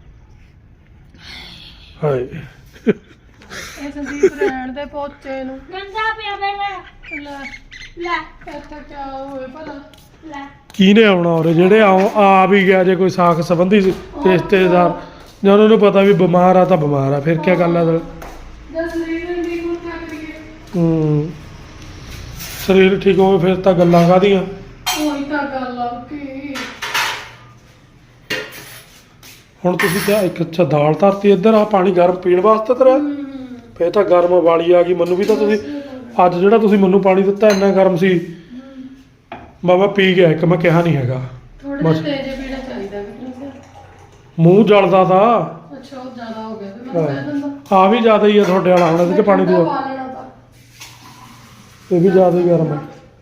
S3: ਹਾਏ
S2: ਇਹ ਸੰਦੀਪ ਰਹਿਣ ਦੇ ਪੋਚੇ ਨੂੰ।
S1: ਗੰਦਾ ਪਿਆ ਮੇਰਾ।
S2: ਲੈ
S1: ਲੈ
S2: ਇੱਥੇ ਕਿਆ ਹੋਏ ਭਲਾ।
S1: ਲੈ
S3: ਕਿਹਨੇ ਆਉਣਾ ਉਰੇ ਜਿਹੜੇ ਆ ਵੀ ਗਿਆ ਜੇ ਕੋਈ ਸਾਖ ਸੰਬੰਧੀ ਰਿਸ਼ਤੇਦਾਰ ਜਾਂ ਉਹਨਾਂ ਨੂੰ ਪਤਾ ਵੀ ਬਿਮਾਰ ਆ ਤਾਂ ਬਿਮਾਰ ਆ ਫਿਰ ਕੀ ਗੱਲ ਆ
S2: ਜਦ ਸਰੀਰ ਦੀ ਨੂੰ ਕਿਆ ਕਰੀਏ।
S3: ਸਰੀਰ ਠੀਕ ਹੋਵੇ ਫਿਰ ਤਾਂ ਗੱਲਾਂ ਕਾਹਦੀਆਂ।
S2: ਉਹੀ ਤਾਂ ਗੱਲ ਆ ਕਿ
S3: ਹੁਣ ਤੁਸੀਂ ਕਿਹਾ ਇੱਕ ਅੱਛਾ ਦਾਲ ਧਰਤੀ ਇੱਧਰ ਆ ਪਾਣੀ ਗਰਮ ਪੀਣ ਵਾਸਤੇ ਤੇਰਾ ਫੇਰ ਤਾਂ ਗਰਮ ਵਾਲੀ ਆ ਗਈ। ਮੈਨੂੰ ਵੀ ਤਾਂ ਤੁਸੀਂ ਅੱਜ ਜਿਹੜਾ ਤੁਸੀਂ ਮੈਨੂੰ ਪਾਣੀ ਦਿੱਤਾ ਇੰਨਾ ਗਰਮ ਸੀ ਮੈਂ ਪੀ ਗਿਆ ਇੱਕ। ਮੈਂ ਕਿਹਾ ਨਹੀਂ ਹੈਗਾ
S2: ਥੋੜਾ
S3: ਬਸ।
S2: ਜਿਹਾ ਤੇਜ਼ ਪੀਣਾ ਚਾਹੀਦਾ ਕਿ
S3: ਮੂੰਹ ਜਲਦਾ ਤਾਂ
S2: ਅੱਛਾ ਉਹ ਜ਼ਿਆਦਾ ਹੋ ਗਿਆ ਤੇ ਮੈਂ ਕਹਿ ਦਿੰਦਾ
S3: ਆ ਵੀ ਜ਼ਿਆਦਾ ਹੀ ਆ ਤੁਹਾਡੇ ਵਾਲਾ ਹੁਣ ਇਹਦੇ ਚ ਪਾਣੀ ਦੂਆ
S2: ਪਾ ਲੈਣਾ ਤਾਂ।
S3: ਇਹ ਵੀ ਜ਼ਿਆਦਾ ਹੀ ਗਰਮ ਆ।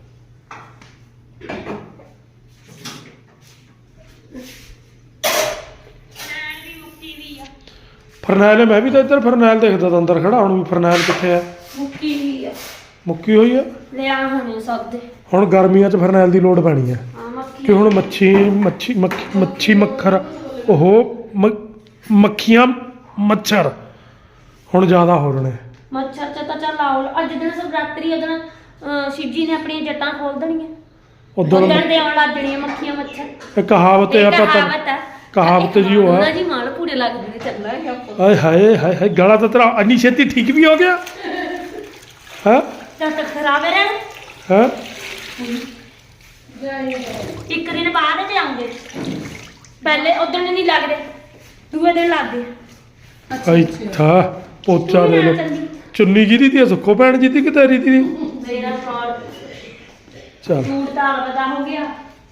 S3: ਫਰਨੈਲ ਮੈਂ ਵੀ ਤਾਂ ਇੱਧਰ ਫਰਨੈਲ ਦੇਖਦਾ ਤਾਂ ਅੰਦਰ ਖੜਾ ਹੁਣ ਵੀ ਫਰਨੈਲ ਕਿੱਥੇ ਆ?
S1: ਮੁੱਕੀ ਹੋਈ ਆ।
S3: ਮੁੱਕੀ ਹੋਈ ਆ।
S1: ਲਿਆ ਹੋਣੇ ਸਭ ਦੇ।
S3: ਹੁਣ ਗਰਮੀਆਂ 'ਚ ਫਰਨੈਲ ਦੀ ਲੋੜ ਪੈਣੀ ਆ
S1: ਆ ਮੱਕੀ
S3: ਕਿ ਹੁਣ ਮੱਛੀ ਮੱਖਰ ਉਹ ਮੱਖੀਆਂ ਮੱਛਰ ਹੁਣ ਜ਼ਿਆਦਾ ਹੋ ਰਹੇ ਨੇ।
S1: ਮੱਛਰ ਚ ਤਾਂ ਚੱਲ ਆਉ। ਅੱਜ ਦਿਨ ਸਵਰਾਤਰੀ ਉਦੋਂ ਸ਼ਿਵਜੀ ਨੇ ਆਪਣੀਆਂ ਜੱਟਾਂ ਖੋਲ ਦੇਣੀਆਂ।
S3: ਉਦੋਂ
S1: ਉਦੋਂ ਦੇ ਆਉਣ ਲੱਗ ਜਾਣੀਆਂ ਮੱਖੀਆਂ ਮੱਛਰ।
S3: ਇਹ ਕਹਾਵਤ ਹੈ ਆਪਾਂ ਤਾਂ
S1: ਕਹਾਵਤ ਆ।
S3: ਕਹਾਵਤ ਜੀ ਉਹ
S1: ਉਹਨਾਂ
S3: ਆ।
S1: ਜੀ ਮਾਲ ਪੂਰੇ ਲੱਗਦੇ ਨੇ ਚੱਲਾਂਗੇ ਆਪਾਂ।
S3: ਹਾਏ ਹਾਏ ਹਾਏ ਹਾਏ ਗਲਾ ਤਾਂ ਤੇਰਾ ਇੰਨੀ ਛੇਤੀ ਠੀਕ ਵੀ ਹੋ ਗਿਆ ਹੈ
S1: ਜਦ ਤੱਕ ਖਰਾਬ ਹੈ ਰਹਿਣ
S3: ਹੈ
S1: ਇੱਕ ਦਿਨ ਬਾਅਦ ਤੇ ਆਉਂਗੇ ਪਹਿਲੇ ਉਦੋਂ ਨਹੀਂ ਲੱਗਦੇ ਦੂਏ ਦਿਨ ਲੱਗਦੇ
S3: ਅੱਛਾ ਪੋਚਾ ਦੇ ਲੋ ਚੁੰਨੀ ਜਿਹਦੀ ਤੀ ਸੁੱਖੋ ਭੈਣ ਜੀ ਦੀ ਕਿ ਤੇਰੀ ਦੀ
S1: ਮੇਰਾ ਫਰਾਡ
S3: ਚੱਲ
S1: ਸੂਟ ਤਾਂ ਅਲੱਗਾ ਹੋ ਗਿਆ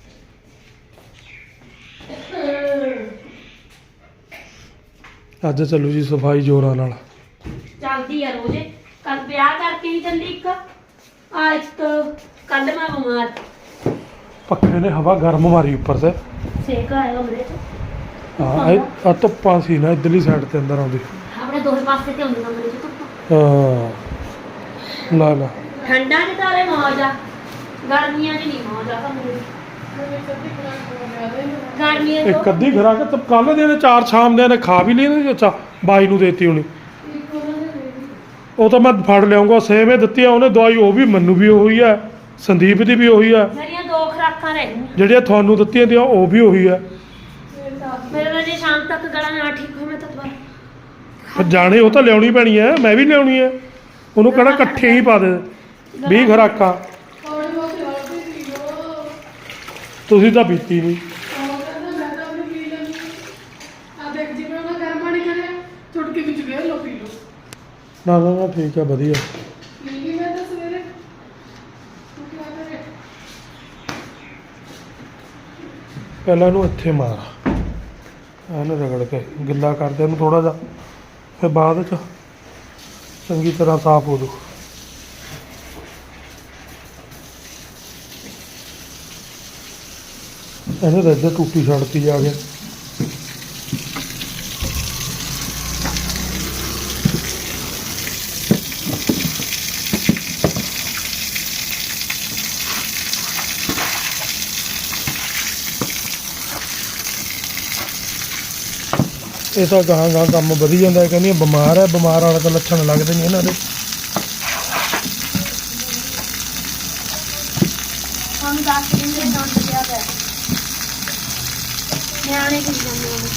S3: ਅੱਜ ਚੱਲੂ ਜੀ ਸਫਾਈ ਜੋਰਾਂ ਨਾਲ
S1: ਚੱਲਦੀ ਆ ਰੋਜ਼ ਕੱਲ ਵਿਆਹ ਕਰਕੇ ਵੀ ਚੱਲੀ ਇੱਕ ਆ ਇੱਕ ਕੱਲ ਮੈਂ ਬਿਮਾਰ
S3: ਪੱਖੇ ਨੇ ਹਵਾ ਗਰਮ ਮਾਰੀ ਉੱਪਰ ਤੇ
S1: ਸੇਕ ਆਇਆ ਕਮਰੇ 'ਚ
S3: ਹਾਂ ਆ ਧੁੱਪਾਂ ਸੀ ਨਾ ਇੱਧਰਲੀ ਸਾਈਡ ਤੇ ਅੰਦਰ ਆਉਂਦੀ
S1: ਆਪਣੇ ਦੋਵੇਂ ਪਾਸੇ ਤੇ ਆਉਂਦੀ ਕਮਰੇ 'ਚ ਧੁੱਪ
S3: ਹਾਂ ਲਾ ਲਾ
S1: ਠੰਡਾ 'ਚ ਤਾਂ ਮੌਜ ਆ ਗਰਮੀਆਂ 'ਚ ਨਹੀਂ ਮੌਜ ਆ ਕਮਰੇ 'ਚ ਗਰਮੀਆਂ 'ਚ
S3: ਇੱਕ ਅੱਧੀ ਖਰਾ ਕੇ ਕੱਲ ਦੇ ਨੇ 4 ਸ਼ਾਮ ਦੇ ਨੇ ਖਾ ਵੀ ਲਈ ਨਾ ਅੱਛਾ ਬਾਈ ਨੂੰ ਦੇਤੀ ਹੋਣੀ ਉਹ ਤਾਂ ਮੈਂ ਫੜ ਲਿਆਉਂਗਾ ਸੇਮ ਹੀ ਦਿੱਤੀ ਆ ਉਹਨੇ ਦਵਾਈ ਉਹ ਵੀ ਮੈਨੂੰ ਵੀ ਉਹੀ ਆ ਸੰਦੀਪ ਦੀ ਵੀ ਉਹੀ ਆ
S1: ਮੇਰੀਆਂ 2 ਖੁਰਾਕਾਂ ਰਹਿ ਗਈਆਂ
S3: ਜਿਹੜੀਆਂ ਤੁਹਾਨੂੰ ਦਿੱਤੀਆਂ ਦੀਆਂ ਉਹ ਵੀ ਉਹੀ ਆ
S1: ਮੇਰੇ ਨਾਲ ਜੇ ਸ਼ਾਮ ਤੱਕ ਗਲਾ ਨਾ ਠੀਕ ਹੋਵੇ ਮੈਂ ਤਾਂ ਦੁਬਾਰਾ
S3: ਫਿਰ ਜਾਣੇ ਉਹ ਤਾਂ ਲਿਆਉਣੀ ਪੈਣੀ ਆ ਮੈਂ ਵੀ ਲਿਆਉਣੀ ਆ ਉਹਨੂੰ ਕਿਹੜਾ ਇਕੱਠੇ ਹੀ ਪਾ ਦੇ 20 ਖੁਰਾਕਾਂ ਤੁਸੀਂ ਤਾਂ ਪੀਤੀ ਨਹੀਂ ਨਾ ਨਾ ਨਾ ਠੀਕ ਆ ਵਧੀਆ ਪਹਿਲਾਂ ਇਹਨੂੰ ਇੱਥੇ ਮਾਰ ਇਹਨੂੰ ਰਗੜ ਕੇ ਗਿੱਲਾ ਕਰਦੇ ਇਹਨੂੰ ਥੋੜਾ ਜਿਹਾ ਫਿਰ ਬਾਅਦ ਚ ਚੰਗੀ ਤਰ੍ਹਾਂ ਸਾਫ਼ ਹੋ ਜੂ ਇਹਨੇ ਤਾਂ ਇੱਧਰ ਟੂਟੀ ਛੱਡਤੀ ਜਾ ਕੇ ਇਹ ਤਾਂ ਗਾਂ ਗਾਂ ਕੰਮ ਵਧੀ ਜਾਂਦਾ ਹੈ ਕਹਿੰਦੀ ਬਿਮਾਰ ਹੈ ਬਿਮਾਰ ਵਾਲੇ ਤਾਂ ਲੱਛਣ ਲੱਗਦੇ ਨਹੀਂ ਇਹਨਾਂ ਦੇ
S1: हम 10 दिन से डांट दिया गया ਨਿਆਣੇ ਕਿਸ ਜਾਂਦੇ ਨੇ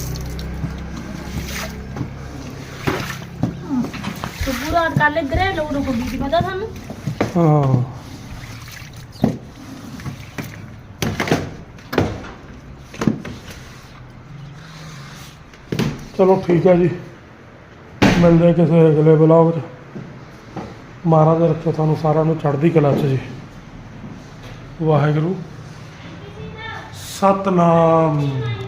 S1: ਸੁਬਹ ਰਾਤ ਕੱਲ ਇੱਧਰ ਲੋਕ ਨੂੰ ਕੋਈ ਪਤਾ ਤੁਹਾਨੂੰ
S3: ਹਾਂ ਚਲੋ ਠੀਕ ਹੈ ਜੀ ਮਿਲਦੇ ਹਾਂ ਕਿਸੇ ਅਗਲੇ ਬਲੌਗ 'ਚ ਮਹਾਰਾਜ ਰੱਖੇ ਤੁਹਾਨੂੰ ਸਾਰਿਆਂ ਨੂੰ ਚੜ੍ਹਦੀ ਕਲਾ 'ਚ ਜੀ ਵਾਹਿਗੁਰੂ ਸਤਨਾਮ